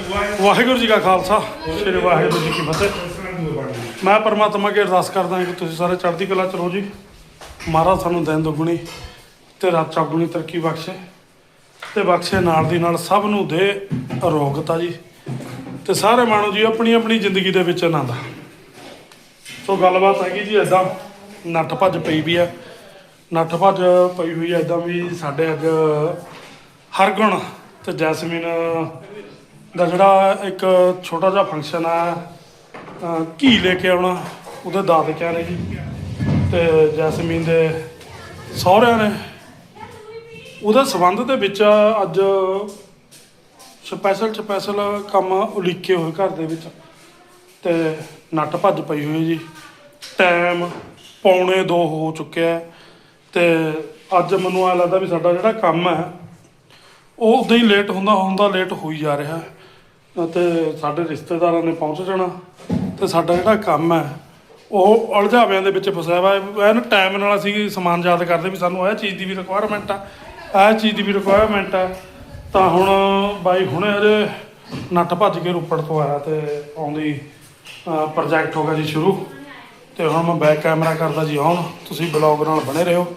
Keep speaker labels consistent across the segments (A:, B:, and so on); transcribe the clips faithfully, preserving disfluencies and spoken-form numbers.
A: ਵਾਹਿਗੁਰੂ ਜੀ ਕਾ ਖਾਲਸਾ ਸ੍ਰੀ ਵਾਹਿਗੁਰੂ ਜੀ ਕੀ ਫਤਿਹ। ਮੈਂ ਪਰਮਾਤਮਾ ਅੱਗੇ ਅਰਦਾਸ ਕਰਦਾ ਹਾਂ ਕਿ ਤੁਸੀਂ ਸਾਰੇ ਚੜ੍ਹਦੀ ਕਲਾ ਚ ਰਹੋ ਜੀ। ਮਹਾਰਾਜ ਸਾਨੂੰ ਦਿਨ ਦੁਗਣੀ ਤੇ ਰਾਤ ਚੌਗੁਣੀ ਤਰੱਕੀ ਬਖਸ਼ੇ ਤੇ ਬਖਸ਼ੇ ਨਾਲ ਦੀ ਨਾਲ ਸਭ ਨੂੰ ਦੇ ਅਰੋਗਤਾ ਜੀ ਤੇ ਸਾਰੇ ਮਾਣੋ ਜੀ ਆਪਣੀ ਆਪਣੀ ਜ਼ਿੰਦਗੀ ਦੇ ਵਿੱਚ ਆਨੰਦ। ਸੋ ਗੱਲਬਾਤ ਹੈਗੀ ਜੀ ਇੱਦਾਂ ਨੱਠ ਭੱਜ ਪਈ ਵੀ ਆ, ਨੱਠ ਭੱਜ ਪਈ ਹੋਈ ਆ ਇੱਦਾਂ ਵੀ ਸਾਡੇ ਅੱਜ ਹਰਗੁਣ ਤੇ ਜੈਸਮੀਨ ਦਾ ਜਿਹੜਾ ਇੱਕ ਛੋਟਾ ਜਿਹਾ ਫੰਕਸ਼ਨ ਆ, ਘੀ ਲੈ ਕੇ ਆਉਣਾ ਉਹਦੇ ਦਾਦਕਿਆਂ ਨੇ ਜੀ ਤੇ ਜੈਸਮੀਨ ਦੇ ਸਹੁਰਿਆਂ ਨੇ, ਉਹਦੇ ਸੰਬੰਧ ਦੇ ਵਿੱਚ ਅੱਜ ਸਪੈਸ਼ਲ ਸਪੈਸ਼ਲ ਕੰਮ ਉਲੀਕੇ ਹੋਏ ਘਰ ਦੇ ਵਿੱਚ ਤੇ ਨੱਠ ਭੱਜ ਪਈ ਹੋਈ ਜੀ। ਟਾਈਮ ਪੌਣੇ ਦੋ ਹੋ ਚੁੱਕਿਆ ਤੇ ਅੱਜ ਮੈਨੂੰ ਐ ਲੱਗਦਾ ਵੀ ਸਾਡਾ ਜਿਹੜਾ ਕੰਮ ਹੈ ਉਹ ਉਦਾਂ ਹੀ ਲੇਟ ਹੁੰਦਾ ਹੁੰਦਾ ਲੇਟ ਹੋਈ ਜਾ ਰਿਹਾ ਅਤੇ ਸਾਡੇ ਰਿਸ਼ਤੇਦਾਰਾਂ ਨੇ ਪਹੁੰਚ ਜਾਣਾ ਤੇ ਸਾਡਾ ਜਿਹੜਾ ਕੰਮ ਹੈ ਉਹ ਉਲਝਾਵਿਆਂ ਦੇ ਵਿੱਚ ਫਸਿਆ ਵਾ। ਐਨ ਟਾਈਮ ਨਾਲ ਅਸੀਂ ਸਮਾਨ ਯਾਦ ਕਰਦੇ ਵੀ ਸਾਨੂੰ ਇਹ ਚੀਜ਼ ਦੀ ਵੀ ਰਿਕੁਆਇਰਮੈਂਟ ਆ, ਇਹ ਚੀਜ਼ ਦੀ ਵੀ ਰਿਕੁਆਇਰਮੈਂਟ ਆ। ਤਾਂ ਹੁਣ ਬਾਈ ਹੁਣੇ ਅਜੇ ਨੱਠ ਭੱਜ ਕੇ ਰੋਪੜ ਤੋਂ ਆਇਆ ਤੇ ਆਉਂਦੀ ਪ੍ਰੋਜੈਕਟ ਹੋ ਗਿਆ ਜੀ ਸ਼ੁਰੂ ਤੇ ਹੁਣ ਮੈਂ ਬੈਕ ਕੈਮਰਾ ਕਰਦਾ ਜੀ ਆਨ, ਤੁਸੀਂ ਬਲੌਗ ਨਾਲ ਬਣੇ ਰਹੋ।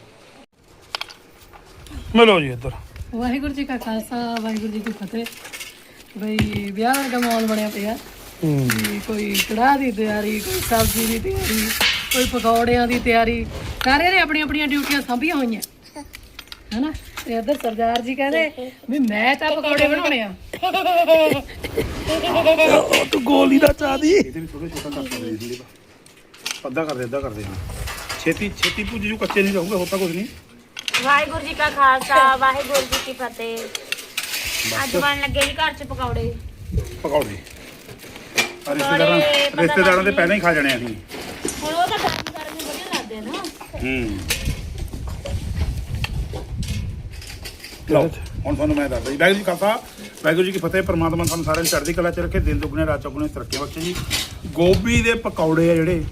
A: ਮਿਲੋ ਜੀ ਇੱਧਰ।
B: ਵਾਹਿਗੁਰੂ ਜੀ ਕਾ ਖਾਲਸਾ ਵਾਹਿਗੁਰੂ ਜੀ ਕੀ ਫਤਿਹ। ਬਈ ਵਿਆਹ ਵਰਗਾ ਮਾਹੌਲ ਬਣਿਆ ਪਿਆ। ਕੋਈ ਕੜਾਹ ਦੀ ਤਿਆਰੀ, ਕੋਈ ਸਬਜ਼ੀ ਦੀ ਤਿਆਰੀ, ਕੋਈ ਪਕੌੜਿਆਂ ਦੀ ਤਿਆਰੀ, ਸਾਰਿਆਂ ਨੇ ਆਪਣੀਆਂ ਆਪਣੀਆਂ ਡਿਊਟੀਆਂ ਸਾਂਭੀਆਂ ਹੋਈਆਂ ਹਨਾ। ਤੇ ਇੱਧਰ ਸਰਦਾਰ ਜੀ ਕਹਿੰਦੇ ਵੀ ਮੈਂ ਤਾਂ ਪਕੌੜੇ ਬਣਾਉਣੇ ਆ।
A: ਉਹ ਤੂੰ ਗੋਲੀ ਦਾ ਚਾਹ ਦੀ
C: ਇਹਦੇ ਵੀ ਥੋੜਾ ਛੋਟਾ ਕਰ ਸਕਦੇ ਸੀ, ਅੱਧਾ ਕਰਦੇ ਅੱਧਾ ਕਰਦੇ ਹਾਂ ਛੇਤੀ ਛੇਤੀ ਭੁੱਜ ਜੂ, ਕੱਚੇ ਨਹੀਂ ਰਹੂਗਾ, ਹੋਤਾ ਕੁਝ ਨਹੀਂ।
D: ਵਾਹਿਗੁਰੂ ਜੀ ਕਾ ਖਾਲਸਾ ਵਾਹਿਗੁਰੂ ਜੀ ਕੀ ਫਤਿਹ। ਅੱਜ ਬਣ ਲੱਗੇ ਜੀ ਘਰ ਚ ਪਕੌੜੇ
C: ਪਕੌੜੇ ਰਿਸ਼ਤੇਦਾਰਾਂ ਰਿਸ਼ਤੇਦਾਰਾਂ ਦੇ ਪਹਿਲਾਂ ਹੀ ਖਾ ਜਾਣੇ ਅਸੀਂ।
D: ਹੁਣ ਉਹ ਤਾਂ ਗਰਮ ਗਰਮ ਹੀ ਵਧੀਆ ਲੱਗਦੇ ਆ ਨਾ।
C: ਹੂੰ ਲਓ ਹੁਣ ਤੁਹਾਨੂੰ ਮੈਂ ਦੱਸਦਾ ਜੀ। ਵਾਹਿਗੁਰੂ ਜੀ ਕਾ ਖਾਲਸਾ ਵਾਹਿਗੁਰੂ ਜੀ ਕੀ ਫਤਿਹ। ਪਰਮਾਤਮਾ ਸਾਨੂੰ ਸਾਰਿਆਂ ਨੂੰ ਚੜ੍ਹਦੀ ਕਲਾ ਚ ਰੱਖੇ, ਦਿਨ ਦੁਗਣੇ ਰਾਤ ਚੌਗੁਣੇ ਤਰੱਕੀ ਬਖਸ਼ੇ ਜੀ। ਗੋਭੀ ਦੇ ਪਕੌੜੇ ਆ ਜਿਹੜੇ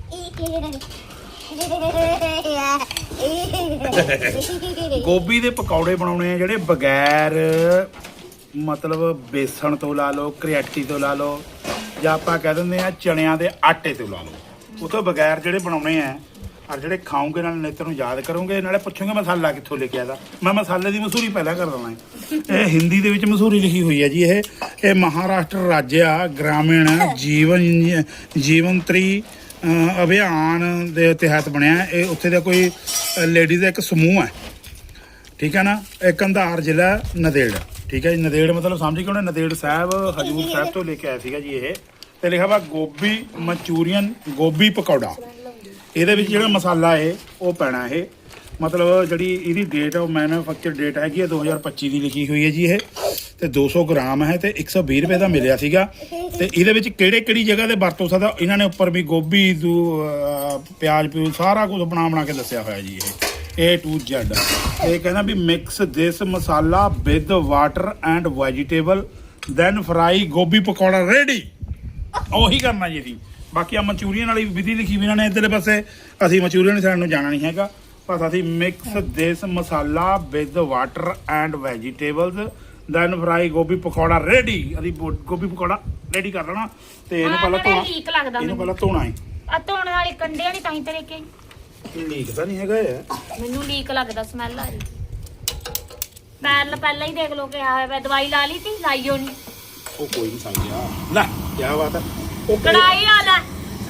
C: ਗੋਭੀ ਦੇ ਪਕੌੜੇ ਬਣਾਉਣੇ ਆ ਜਿਹੜੇ ਬਗੈਰ ਮਤਲਬ ਬੇਸਣ ਤੋਂ ਲਾ ਲਓ, ਕਰਿਆਟੀ ਤੋਂ ਲਾ ਲਓ, ਜਾਂ ਆਪਾਂ ਕਹਿ ਦਿੰਦੇ ਆ ਚਣਿਆਂ ਦੇ ਆਟੇ ਤੋਂ ਲਾ ਲਓ। ਉਹ ਤੋਂ ਬਗੈਰ ਜਿਹੜੇ ਬਣਾਉਣੇ ਆ ਔਰ ਜਿਹੜੇ ਖਾਓਗੇ ਨਾਲ ਨੇਤਰ ਨੂੰ ਯਾਦ ਕਰੋਗੇ, ਨਾਲੇ ਪੁੱਛੋਗੇ ਮਸਾਲਾ ਕਿੱਥੋਂ ਲੈ ਕੇ ਆਦਾ। ਮੈਂ ਮਸਾਲੇ ਦੀ ਮਸ਼ਹੂਰੀ ਪਹਿਲਾਂ ਕਰ ਦਵਾਂ। ਇਹ ਹਿੰਦੀ ਦੇ ਵਿੱਚ ਮਸ਼ਹੂਰੀ ਲਿਖੀ ਹੋਈ ਹੈ ਜੀ। ਇਹ ਇਹ ਮਹਾਰਾਸ਼ਟਰ ਰਾਜ ਆ, ਗ੍ਰਾਮੀਣ ਜੀਵਨ ਜੀਵਨਤਰੀ ਅਭਿਆਨ ਦੇ ਤਹਿਤ ਬਣਿਆ ਇਹ। ਉੱਥੇ ਦਾ ਕੋਈ ਲੇਡੀਜ਼ ਦਾ ਇੱਕ ਸਮੂਹ ਹੈ, ਠੀਕ ਹੈ ਨਾ। ਇਹ ਕੰਧਾਰ ਜ਼ਿਲ੍ਹਾ ਨੰਦੇੜ, ਠੀਕ ਹੈ ਜੀ। ਨੰਦੇੜ ਮਤਲਬ ਸਮਝ ਕੇ ਉਹਨੇ ਨੰਦੇੜ ਸਾਹਿਬ ਹਜੂਰ ਸਾਹਿਬ ਤੋਂ ਲੈ ਕੇ ਆਇਆ ਸੀਗਾ ਜੀ ਇਹ। ਤੇ ਲਿਖਿਆ ਵਾ ਗੋਭੀ ਮਨਚੂਰੀਅਨ ਗੋਭੀ ਪਕੌੜਾ। ਇਹਦੇ ਵਿੱਚ ਜਿਹੜਾ ਮਸਾਲਾ ਹੈ ਉਹ ਪੈਣਾ ਇਹ, ਮਤਲਬ ਜਿਹੜੀ ਇਹਦੀ ਡੇਟ ਉਹ ਮੈਨੂਫੈਕਚਰ ਡੇਟ ਹੈਗੀ ਹੈ ਦੋ ਹਜ਼ਾਰ ਪੱਚੀ ਦੀ ਲਿਖੀ ਹੋਈ ਹੈ ਜੀ ਇਹ। ਤੇ ਦੋ ਸੌ ਗ੍ਰਾਮ ਹੈ ਤੇ ਇੱਕ ਸੌ ਵੀਹ ਰੁਪਏ ਦਾ ਮਿਲਿਆ ਸੀਗਾ। ਤੇ ਇਹਦੇ ਵਿੱਚ ਕਿਹੜੇ ਕਿਹੜੀ ਜਗ੍ਹਾ ਤੇ ਵਰਤੋਂ ਸਕਦਾ ਇਹਨਾਂ ਨੇ ਉੱਪਰ ਵੀ ਗੋਭੀ ਦੂ ਪਿਆਜ਼ ਪਿਊਜ਼ ਸਾਰਾ ਕੁਝ ਬਣਾ ਬਣਾ ਕੇ ਦੱਸਿਆ ਹੋਇਆ ਜੀ ਇਹ ਏ ਟੂ ਜ਼ੈਡ। ਇਹ ਕਹਿੰਦਾ ਵੀ mix this masala with water and vegetable then fry gobhi pakora ready. ਉਹੀ ਕਰਨਾ ਜੀ ਅਸੀਂ। ਬਾਕੀ ਆ ਮਨਚੂਰੀਅਨ ਵਾਲੀ ਵਿਧੀ ਲਿਖੀ ਵੀ ਇਹਨਾਂ ਨੇ ਇੱਧਰਲੇ ਪਾਸੇ। ਅਸੀਂ ਮਨਚੂਰੀਅਨ ਸਾਈਡ ਨੂੰ ਜਾਣਾ ਨਹੀਂ ਹੈਗਾ, ਬਸ ਅਸੀਂ mix this masala with water and vegetables then fry gobhi pakora ready. ਅਸੀਂ ਗੋਭੀ ਪਕੌੜਾ ਰੈਡੀ ਕਰ ਲੈਣਾ ਤੇ ਇਹਨੂੰ ਪਹਿਲਾਂ ਧੋਣਾ।
D: ਲੀਕ ਲੱਗਦਾ
C: ਇਹਨੂੰ ਪਹਿਲਾਂ ਧੋਣਾ ਹੈ।
D: ਆ ਧੋਣ ਵਾਲੀ ਕੰਡਿਆਂ ਨਹੀਂ ਤਾਂ ਹੀ ਤੇ ਲੈ ਕੇ
C: ਲੀਕ ਤਾਂ ਨਹੀਂ ਹੈਗਾ ਇਹ,
D: ਮੈਨੂੰ ਲੀਕ ਲੱਗਦਾ, ਸਮੈਲ ਆ ਰਹੀ। ਪਹਿਲਾਂ ਪਹਿਲਾਂ ਹੀ ਦੇਖ ਲੋ ਕਿ ਆ ਹੋਇਆ। ਦਵਾਈ ਲਾ ਲਈ ਤੀ, ਲਾਈਓ ਨਹੀਂ।
C: ਉਹ ਕੋਈ ਨਹੀਂ ਸਮਝਿਆ ਲੈ ਕੀ ਬਾਤ ਹੈ। ਉਹ
D: ਕੜਾਈ ਆ ਲੈ,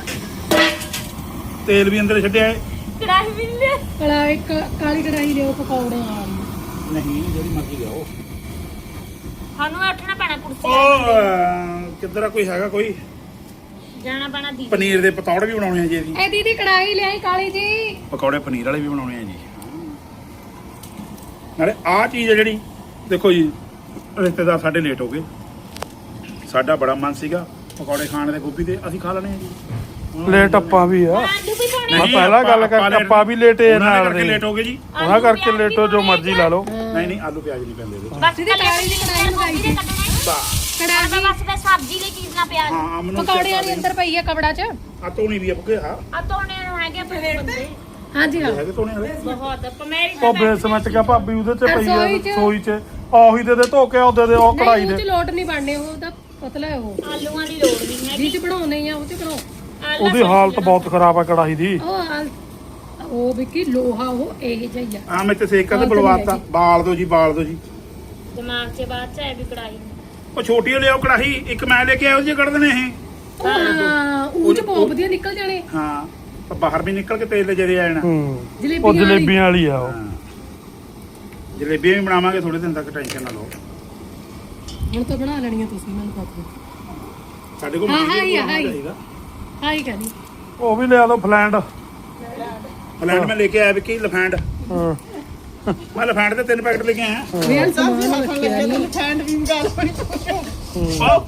C: ਤੇਲ ਵੀ ਅੰਦਰ ਛੱਡਿਆ ਹੈ।
D: ਕੜਾਈ ਵੀ ਲੈ
B: ਕੜਾਈ ਕਾਲੀ ਕੜਾਈ ਲਿਓ ਪਕੌੜੇ ਵਾਲੀ।
C: ਨਹੀਂ ਜਿਹੜੀ ਮਰਜ਼ੀ ਲਿਆਓ।
D: ਸਾਨੂੰ ਉੱਠਣਾ ਪੈਣਾ ਕੁਰਸੀ
C: ਉਹ ਕਿੱਧਰ ਆ, ਕੋਈ ਹੈਗਾ ਕੋਈ
D: ਜਾਣਾ ਪੈਣਾ ਦੀ।
C: ਪਨੀਰ ਦੇ ਪਤੌੜ ਵੀ ਬਣਾਉਣੇ ਆ ਜੀ ਅਸੀਂ।
B: ਇਹ ਦੀਦੀ ਕੜਾਈ ਲਿਆਈ ਕਾਲੀ ਜੀ।
C: ਪਕੌੜੇ ਪਨੀਰ ਵਾਲੇ ਵੀ ਬਣਾਉਣੇ ਆ ਜੀ। ਨਾਲੇ ਆਹ ਚੀਜ਼ ਹੈ ਜਿਹੜੀ ਦੇਖੋ ਜੀ, ਰਿਸ਼ਤੇਦਾਰ ਸਾਡੇ ਲੇਟ ਹੋ ਗਏ। ਸਾਡਾ ਬੜਾ ਮਨ ਸੀਗਾ ਪਕੌੜੇ ਖਾਣ ਦੇ ਗੋਭੀ ਦੇ, ਅਸੀਂ ਖਾ ਲੈਣੇ ਆ ਜੀ।
A: ਲੇਟ ਆਪਾਂ ਵੀ ਆ।
D: ਆਲੂ ਵੀ ਪਾਉਣੇ
A: ਮੈਂ ਪਹਿਲਾਂ ਗੱਲ ਕਰਕੇ ਆਪਾਂ ਵੀ ਲੇਟੇ ਨਾਲ ਦੇ
C: ਲੇਟ ਹੋ ਗਏ ਜੀ।
A: ਉਹਨਾਂ ਕਰਕੇ ਲੇਟੋ ਜੋ ਮਰਜ਼ੀ ਲਾ ਲਓ।
C: ਨਹੀਂ ਨਹੀਂ ਆਲੂ ਪਿਆਜ਼ ਨਹੀਂ ਪੈਂਦੇ ਇਹਦੇ
D: ਬਸ
B: ਦੀਦੀ ਕਾਲੀ ਦੀ ਕੜਾਈ ਮੰਗਾਈ ਸੀ।
D: ਕੜਾਈ ਬਸ ਤੇ ਸਬਜ਼ੀ ਲਈ ਚੀਜ਼ ਨਾ ਪਿਆਜ਼।
C: ਹਾਂ ਮੈਨੂੰ
B: ਪਕੌੜੇ ਵਾਲੀ ਅੰਦਰ ਪਈ ਆ ਕਬੜਾ ਚ।
C: ਆ ਧੋਣੀ ਵੀ ਆ ਬੁੱਕੇ। ਹਾਂ
D: ਆ ਧੋਣੇ ਨੂੰ ਹੈਗੇ ਆਪਣੇ ਬੰਦੇ
B: ਹਾਂਜੀ ਹਾਂ
C: ਹੈਗੇ ਧੋਣੇ ਵਾਲੇ।
D: ਬਹੁਤ ਪਮੇਰੀ
A: ਉਹ ਬੇਸ ਵਿੱਚ ਕਿਆ ਭਾਬੀ ਉਹਦੇ ਚ ਪਈ ਆ
B: ਰਸੋਈ ਚ।
A: ਸੋਈ ਚ ਉਹੀ ਦੇ ਦੇ ਧੋ ਕੇ ਉਹਦੇ ਦੇ ਉਹ ਕੜਾਈ
B: ਨਹੀਂ ਉਹ
A: ਦੇ
B: ਚ ਲੋਟ ਨਹੀਂ ਬਣਨੇ ਉਹ ਤਾਂ ਪਤਲਾ ਹੈ ਉਹ
D: ਆਲੂਆਂ ਦੀ ਲੋੜ ਨਹੀਂ ਹੈਗੀ
B: ਜਿਹ ਚ ਬਣਾਉਣੇ ਆ ਉਹ ਚ ਬਣਾਓ
D: ਆਲੂ
A: ਉਹਦੀ ਹਾਲਤ ਬਹੁਤ ਖਰਾਬ ਆ ਕੜਾਈ ਦੀ।
B: ਉਹ ਆਲ- ਉਹ ਵੀ ਕੀ ਲੋਹਾ ਉਹ ਇਹ ਜਿਹਾ
C: ਆ ਮੈਂ ਤੇ ਸੇਕਾ ਤੇ ਬਲਵਾਤਾ ਬਾਲ ਦੋ ਜੀ ਬਾਲ ਦੋ ਜੀ।
D: ਦਿਮਾਗ 'ਚ ਬਾਅਦ 'ਚ ਹੈ ਵੀ ਕੜਾਈ
C: ਉਹ ਛੋਟੀ ਲਿਆਓ ਕੜਾਹੀ ਇੱਕ ਮੈਂ ਲੈ ਕੇ ਆਇਆ ਉਹ ਜੀ ਕੱਢ ਦੇਣੇ ਇਹ।
B: ਹਾਂ ਉਹ ਚ ਬਹੁਤ ਵਧੀਆ ਨਿਕਲ ਜਾਣੇ
C: ਹਾਂ ਪਰ ਬਾਹਰ ਵੀ ਨਿਕਲ ਕੇ ਤੇਲ ਦੇ ਜਦੇ ਆ ਜਾਣਾ।
A: ਹੂੰ ਉਹ
B: ਜਲੇਬੀਆਂ ਵਾਲੀ
A: ਜਲੇਬੀਆਂ ਵਾਲੀ ਆ ਉਹ।
C: ਹਾਂ। ਜਲੇਬੀਆਂ ਵੀ ਬਣਾਵਾਂਗੇ ਥੋੜੇ ਦਿਨ ਤੱਕ, ਟੈਨਸ਼ਨ ਨਾ ਲਓ।
B: ਹੁਣ ਤਾਂ ਬਣਾ ਲੈਣੀਆਂ ਤੁਸੀਂ ਮੈਨੂੰ ਪਤਾ
C: ਸਾਡੇ ਕੋਲ
B: ਹਾਂ,
C: ਮਟੀਰੀਅਲ
B: ਹਾਂ ਹੀ ਆ,
C: ਹੋਣਾ
B: ਹਾਂ ਹੀ।
C: ਚਾਹੀਦਾ।
B: ਹਾਂ ਹੀ ਕਹਿੰਦੀ
A: ਉਹ ਵੀ ਲਿਆ ਦੋ ਫਲੈਂਡ।
C: ਫਲੈਂਡ ਮੈਂ ਲੈ ਕੇ ਆਇਆ ਵਿੱਕੀ ਲਫੈਂਡ।
A: ਹਾਂ
C: ਮੈਂ ਲਫੈਂਡ ਦੇ ਤਿੰਨ ਪੈਕਟ ਲੈ ਕੇ ਆਇਆ।
B: ਵੀ ਯਾਰ ਸਮਾਨ ਰੱਖਿਆ ਨੀ।
C: ਆਓ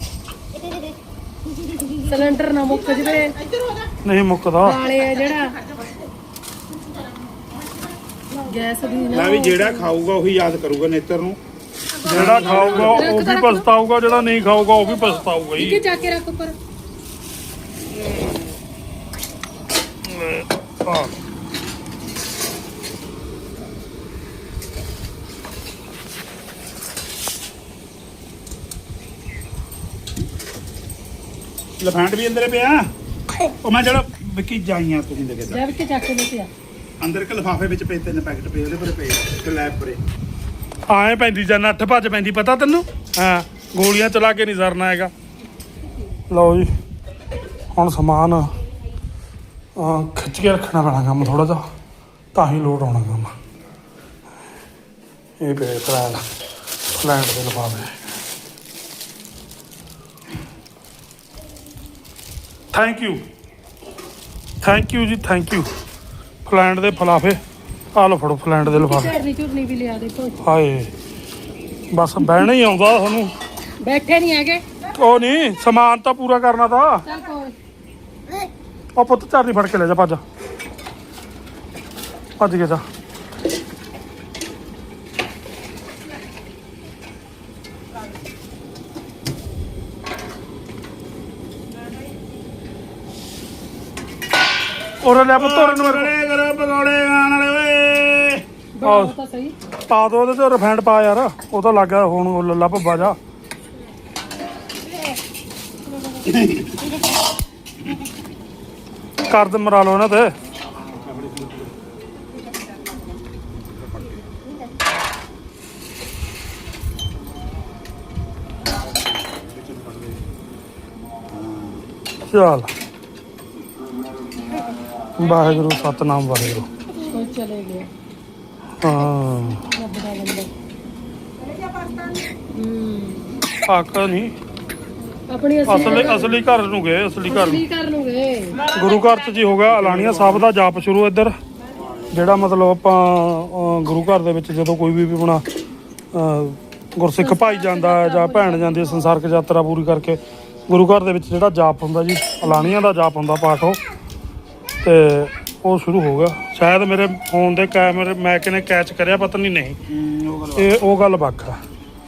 B: ਸਿਲੰਡਰ ਨਾ ਮੁੱਕ ਜਵੇ
A: ਨਹੀਂ ਮੁੱਕਦਾ।
B: ਕਾਲੇ ਆ ਜਿਹੜਾ ਗੈਸ ਦੀ ਨਾ
C: ਮੈਂ ਵੀ ਜਿਹੜਾ ਖਾਊਗਾ ਉਹੀ ਯਾਦ ਕਰੂਗਾ ਨੇਤਰ ਨੂੰ।
A: ਜਿਹੜਾ ਖਾਊਗਾ ਉਹ ਵੀ ਪਛਤਾਊਗਾ, ਜਿਹੜਾ ਨਹੀਂ ਖਾਊਗਾ ਉਹ ਵੀ ਪਛਤਾਊਗਾ
B: ਕਿ
A: ਹੀ।
B: ਜਾ ਕੇ ਰੱਖ ਉੱਪਰ
A: ਹਾਂ
C: ਲਫੈਂਡ ਵੀ ਅੰਦਰੇ ਪਿਆ। ਉਹ ਮੈਂ ਜਿਹੜਾ ਵਿੱਕੀ ਜਾਈਆਂ ਤੁਸੀਂ ਦੇ ਕੇ
B: ਜਾ ਕੇ ਚੱਕ ਕੇ ਲੈ
C: ਅੰਦਰ ਇੱਕ ਲਿਫਾਫੇ ਵਿੱਚ ਪਏ ਤਿੰਨ ਪੈਕਟ ਪਏ ਉਹਦੇ ਪਰ ਪਏ ਸਲੈਬ ਪਰੇ।
A: ਆਏ ਪੈਂਦੀ ਜਾਂ ਨੱਠ ਭੱਜ ਪੈਂਦੀ ਪਤਾ ਤੈਨੂੰ। ਹਾਂ ਗੋਲੀਆਂ ਚਲਾ ਕੇ ਨਹੀਂ ਸਰਨਾ ਹੈਗਾ। ਲਓ ਜੀ ਹੁਣ ਸਮਾਨ ਅਹ, ਖਿੱਚ ਕੇ ਰੱਖਣਾ ਪੈਣਾ ਕੰਮ ਥੋੜਾ ਜਿਹਾ, ਤਾਂ ਹੀ ਲੋਡ ਆਉਣਾ ਕੰਮ। ਇਹ ਪਏ ਫਲੈਂਡ ਫਲੈਂਡ ਦੇ ਲਿਫਾਫੇ। ਥੈਂਕ ਯੂ ਥੈਂਕ ਯੂ ਜੀ ਥੈਂਕ ਯੂ। ਫਲੈਂਡ ਦੇ ਫਲਾਫੇ ਆ ਲਓ ਫੜੋ ਫਲੈਂਡ ਦੇ ਲਿਫਾਫੇ।
B: ਝੜਨੀ ਝੁਰਨੀ ਵੀ ਲਿਆ ਦੇਖੋ
A: ਹਾਏ ਬਸ ਬਹਿਣਾ ਹੀ ਆਉਂਦਾ ਤੁਹਾਨੂੰ।
B: ਬੈਠੇ ਨਹੀਂ ਹੈਗੇ
A: ਉਹ ਨਹੀਂ ਸਮਾਨ ਤਾਂ ਪੂਰਾ ਕਰਨਾ ਤਾਂ।
B: ਚੱਲ ਕੋਈ
A: ਉਹ ਪੁੱਤ ਚਾਰਲੀ ਫੜ ਕੇ ਲੈ ਜਾ ਭੱਜ ਭੱਜ ਕੇ ਜਾ। ਉਹਨੇ ਲੈ ਪੁੱਤ ਉਹਨੇ ਨੂੰ
C: ਪਕੌੜੇ ਕਰੋ ਪਕੌੜੇ ਖਾਣ ਵਾਲੇ ਓਏ।
B: ਬਣਾਓ ਤਾਂ ਸਹੀ
A: ਪਾ ਦੋ ਉਹਦੇ ਤੇ ਰਿਫਾਈਂਡ ਪਾ ਯਾਰ, ਉਹ ਤਾਂ ਲੱਗਾ ਹੁਣ ਉਹ ਲੱਲਾ ਭੱਬਾ ਜਾ। ਕਰਦ ਮਰਾ ਲਓ ਇਹਨਾਂ ਤੇ। ਚੱਲ ਵਾਹਿਗੁਰੂ ਸਤਨਾਮ ਵਾਹਿਗੁਰੂ।
B: ਕੋਈ ਚਲੇ ਗਿਆ
A: ਹਾਂ
B: ਰੱਬ ਦਾ ਬੰਦਾ ਹੂੰ
A: ਆਕ ਨਹੀਂ
B: ਆਪਣੀ
A: ਅਸਲੀ ਅਸਲੀ ਘਰ ਨੂੰ ਗਏ, ਅਸਲੀ ਘਰ ਨੂੰ।
B: ਕੀ ਕਰ ਲੂਗੇ
A: ਗੁਰੂ ਘਰ ਚ ਜੀ ਹੋ ਗਿਆ ਅਲਾਣੀਆ ਸਾਹਿਬ ਦਾ ਜਾਪ ਸ਼ੁਰੂ ਇੱਧਰ। ਜਿਹੜਾ ਮਤਲਬ ਆਪਾਂ ਅਹ, ਗੁਰੂ ਘਰ ਦੇ ਵਿੱਚ ਜਦੋਂ ਕੋਈ ਵੀ ਆਪਣਾ ਅਹ, ਗੁਰਸਿੱਖ ਭਾਈ ਜਾਂਦਾ ਹੈ ਜਾਂ ਭੈਣ ਜਾਂਦੀ ਹੈ ਸੰਸਾਰਕ ਯਾਤਰਾ ਪੂਰੀ ਕਰਕੇ, ਗੁਰੂ ਘਰ ਦੇ ਵਿੱਚ ਜਿਹੜਾ ਜਾਪ ਹੁੰਦਾ ਜੀ ਅਲਾਣੀਆ ਦਾ ਜਾਪ ਹੁੰਦਾ ਪਾਠ, ਉਹ ਤੇ ਉਹ ਸ਼ੁਰੂ ਹੋ ਗਿਆ। ਸ਼ਾਇਦ ਮੇਰੇ ਫੋਨ ਦੇ ਕੈਮਰੇ ਮੈਕ ਨੇ ਕੈਚ ਕਰਿਆ, ਪਤਾ ਨਹੀਂ ਨਹੀਂ
C: ਹੂੰ, ਉਹ ਗੱਲ
A: ਇਹ ਉਹ ਗੱਲ ਵੱਖ ਆ।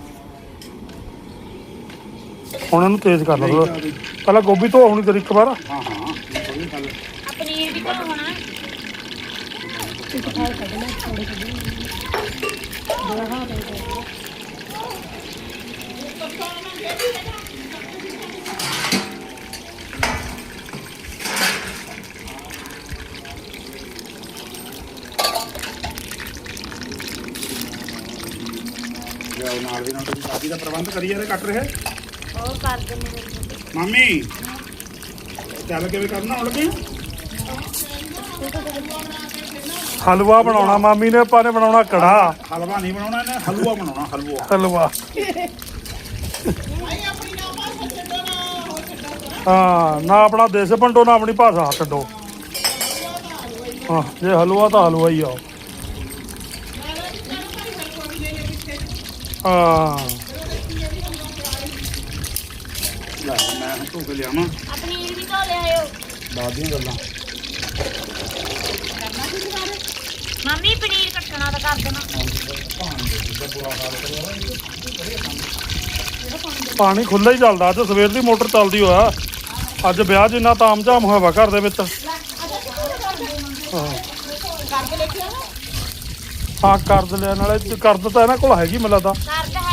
A: ਹੁਣ ਇਹਨੂੰ ਤੇਜ਼ ਕਰ ਲਓ ਪਹਿਲਾਂ। ਗੋਭੀ ਧੋ ਹੋਣੀ ਤੇਰੀ ਇੱਕ ਵਾਰ।
C: ਹਾਂ ਹਾਂ ਕੋਈ ਗੱਲ।
D: ਆ ਪਨੀਰ ਵੀ ਬਣਾਉਣਾ
B: ਇੱਕ ਖਾਲ ਕੱਢਣਾ ਥੋੜੇ ਕੱਢਣਾ ਬੜਾ ਹਾਂ
C: ਜਾਓ ਨਾਲ ਦੀ ਨਾਲ ਤੁਸੀਂ ਸ਼ਾਦੀ ਦਾ ਪ੍ਰਬੰਧ ਕਰੀ ਜਾ ਰਹੇ ਕੱਟ ਰਹੇ
D: ਉਹ ਕਰ ਦਿੰਦੇ ਨੇ
C: ਮਾਮੀ। ਚੱਲ ਕਿਵੇਂ ਕਰਨਾ ਹੁਣ ਲੱਗੇ
A: ਹਲਵਾ ਬਣਾਉਣਾ ਮਾਮੀ ਨੇ, ਆਪਾਂ ਨੇ ਬਣਾਉਣਾ ਕੜਾ।
C: ਹਲਵਾ ਨਹੀਂ ਬਣਾਉਣਾ ਇਹਨੇ, ਹਲਵਾ ਬਣਾਉਣਾ ਹਲਵਾ।
A: ਹਲਵਾ ਹਾਂ ਨਾ ਆਪਣਾ ਦੇਸ਼ ਭੰਡੋ ਨਾ ਆਪਣੀ ਭਾਸ਼ਾ ਛੱਡੋ। ਹਾਂ ਜੇ ਹਲਵਾ ਤਾਂ ਹਲਵਾ ਹੀ ਆ। ਹਾਂ
C: ਲੈ ਮੈਂ ਧੋ ਕੇ ਲਿਆਵਾਂ
D: ਆ ਪਨੀਰ ਵੀ ਧੋ ਲਿਆਇਓ
C: ਬਾਅਦ ਦੀਆਂ ਗੱਲਾਂ।
D: ਮੰਮੀ ਪਨੀਰ ਕੱਟਣਾ ਤਾਂ ਕਰ ਦੇਣਾ
A: ਪਾਣੀ ਖੁੱਲ੍ਹਾ ਹੀ ਚੱਲਦਾ। ਅੱਜ ਸਵੇਰ ਦੀ ਮੋਟਰ ਚੱਲਦੀ ਹੋਇਆ। ਅੱਜ ਵਿਆਹ ਜਿੰਨਾ ਤਾਮਝਾਮ ਹੋਇਆ ਵਾ ਘਰ ਦੇ ਵਿੱਚ। ਹਾਂ ਹਾਂ ਕਰਦ ਲਿਆ ਨਾਲੇ ਕਰਦ ਤਾਂ ਇਹਨਾਂ ਕੋਲ ਹੈਗੀ ਮੈਨੂੰ ਲੱਗਦਾ।
D: ਕਰਦ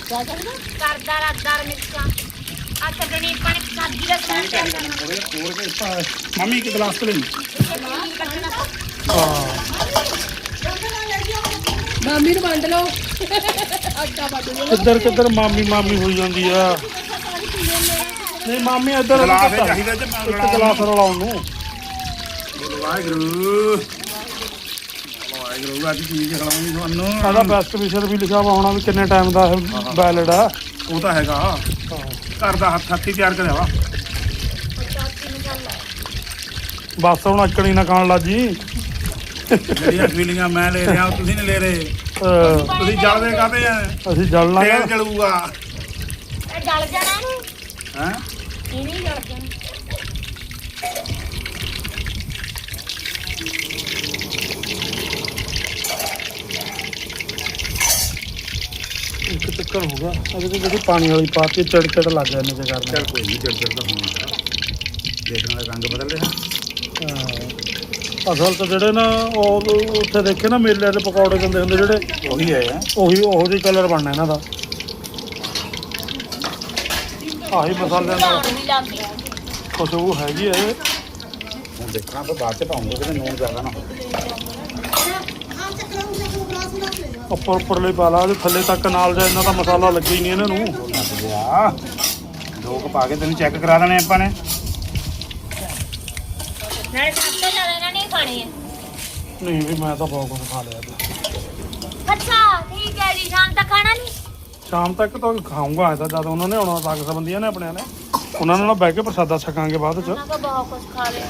B: ਕਿਆ ਕਰਦਾ
D: ਕਰਦਾ ਰੱਦਾਰ ਮਿਰਚਾਂ ਆ ਛੱਡਣੀ ਆਪਾਂ ਨੇ ਸਬਜ਼ੀ ਦਾ ਸਮਾਨ ਤਿਆਰ ਕਰਨਾ
C: ਹੋਰ ਕੇ ਮੰਮੀ ਇੱਕ ਗਲਾਸ ਤੇ ਲਈ
D: ਕੱਟਣਾ
B: ਮਾਮੀ ਨੂੰ ਵੰਡ ਲਓ ਆਟਾ ਵੱਢ ਲਓ
A: ਕਿੱਧਰ ਕਿੱਧਰ ਮਾਮੀ ਮਾਮੀ ਹੋਈ ਜਾਂਦੀ ਆ ਨਹੀਂ ਮਾਮੀ ਇੱਧਰ
C: ਗਲਾਸ ਚਾਹੀਦਾ ਤੇ ਮੈਂ
A: ਇੱਕ ਗਲਾਸ ਰਲਾਉਣ ਨੂੰ
C: ਵਾਹਿਗੁਰੂ ਵਾਹਿਗੁਰੂ ਅੱਜ ਚੀਜ਼ ਖਿਲਾਉਣੀ ਤੁਹਾਨੂੰ
A: ਸਾਡਾ ਬੈਸਟ ਵਿਸ਼ਰ ਵੀ ਲਿਖਿਆ ਵਾ ਹੋਣਾ ਵੀ ਕਿੰਨੇ ਟਾਈਮ ਦਾ ਇਹ ਬੈਲਡ ਆ
C: ਉਹ ਤਾਂ ਹੈਗਾ ਘਰ ਦਾ ਹੱਥ ਹੱਥੀ ਤਿਆਰ ਕਰਿਆ ਵਾ
A: ਬਸ ਹੁਣ ਅਕਣੀ ਨਾ ਖਾਣ ਲੱਜੀ
C: ਜਿਹੜੀਆਂ ਫੀਲਿੰਗਾਂ ਮੈਂ ਲੈ ਰਿਹਾ ਤੁਸੀਂ ਨਹੀਂ ਲੈ ਰਹੇ
A: ਅਹ
C: ਤੁਸੀਂ ਜਲਦੇ ਕਾਹਦੇ ਆ
A: ਅਸੀਂ ਜਲਣਾ
C: ਤੇਲ ਜਲੂਗਾ
D: ਇਹ ਜਲ ਜਾਣਾ ਇਹਨੂੰ
C: ਹੈ
D: ਇਹ ਨਹੀਂ ਜਲ ਜਾਣਾ
A: ਇੱਕ ਚੱਕਰ ਹੋ ਗਿਆ ਅਜੇ ਤੇ ਜਿਹੜੀ ਪਾਣੀ ਵਾਲੀ ਪਾਤੀ ਚੜ ਚੜ ਲੱਗ ਗਿਆ ਇਹਨੇ ਤੇ ਕਰਨਾ
C: ਚੱਲ ਕੋਈ ਨਹੀਂ ਚੜ ਚੜ ਤਾਂ ਹੋਣਾ ਦੇਖਣ ਦਾ ਰੰਗ ਬਦਲ ਰਿਹਾ
A: ਹਾਂ। ਅਸਲ ਤਾਂ ਜਿਹੜੇ ਨਾ ਉਹ ਉੱਥੇ ਦੇਖੇ ਨਾ ਮੇਲੇ ਦੇ ਪਕੌੜੇ ਦਿੰਦੇ ਹੁੰਦੇ ਜਿਹੜੇ
C: ਉਹੀ ਹੈ
A: ਉਹੀ ਉਹੋ ਜਿਹੀ ਕਲਰ ਬਣਨਾ ਇਹਨਾਂ ਦਾ ਆਹੀ ਮਸਾਲਿਆਂ ਨਾਲ
D: ਧੌਣ ਵੀ ਲੱਗ ਗਿਆ
A: ਖੁਸ਼ਬੂ ਹੈਗੀ ਹੈ ਇਹ।
C: ਹੁਣ ਦੇਖਣਾ ਫਿਰ ਬਾਅਦ ਚ ਪਾਉਂਗੇ ਕਿ ਨੂਨ ਜ਼ਿਆਦਾ ਨਾ ਹੋਵੇ
A: ਉੱਪਰ ਉੱਪਰਲੇ ਪਾ ਲਾ ਉਹਦੇ ਥੱਲੇ ਤੱਕ ਨਾਲ ਜਾ ਇਹਨਾਂ ਦਾ ਮਸਾਲਾ ਲੱਗੇ ਹੀ ਨਹੀਂ ਇਹਨਾਂ ਨੂੰ
C: ਲੱਗ ਗਿਆ ਦੋ ਕੁ ਪਾ ਕੇ ਤੈਨੂੰ ਚੈੱਕ ਕਰਾ ਦੇਣੇ ਆਪਾਂ ਨੇ
D: ਨਾਲੇ ਸਭ ਤੋਂ ਜ਼ਿਆਦਾ ਇਹਨਾਂ ਨੇ ਹੀ ਖਾਣੇ ਆ
A: ਨਹੀਂ ਵੀ ਮੈਂ ਤਾਂ ਬਹੁਤ ਕੁਝ ਖਾ ਲਿਆ ਅੱਜ।
D: ਅੱਛਾ ਠੀਕ ਹੈ ਜੀ ਸ਼ਾਮ ਤੱਕ ਖਾਣਾ ਨਹੀਂ
A: ਸ਼ਾਮ ਤੱਕ ਤਾਂ ਖਾਊਂਗਾ ਇਹਦਾ ਜਦ ਉਹਨਾਂ ਨੇ ਆਉਣਾ ਸਾਗ ਸੰਬੰਧੀਆਂ ਨੇ ਆਪਣਿਆਂ ਨੇ ਉਹਨਾਂ ਨਾਲ ਬਹਿ ਕੇ ਪ੍ਰਸਾਦਾ ਛਕਾਂਗੇ ਬਾਅਦ ਚ
D: ਉਹਨਾਂ ਕੋ ਬਹੁਤ ਕੁਝ ਖਾ ਲਿਆ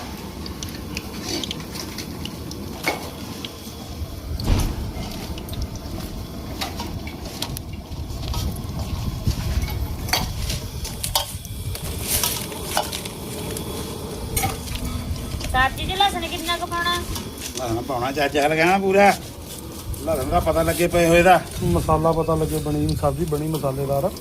D: ਸਬਜ਼ੀ ਚ ਲਸਣ ਕਿੰਨਾ ਕੁ ਪਾਉਣਾ
C: ਲਸਣ ਪਾਉਣਾ ਚੱਜ ਹਲ ਗਿਆ ਨਾ ਪੂਰਾ ਲਸਣ ਦਾ ਪਤਾ ਲੱਗੇ ਪਏ ਹੋਏ ਦਾ
A: ਮਸਾਲਾ ਪਤਾ ਲੱਗੇ ਬਣੀ ਸਬਜ਼ੀ ਬਣੀ ਮਸਾਲੇਦਾਰ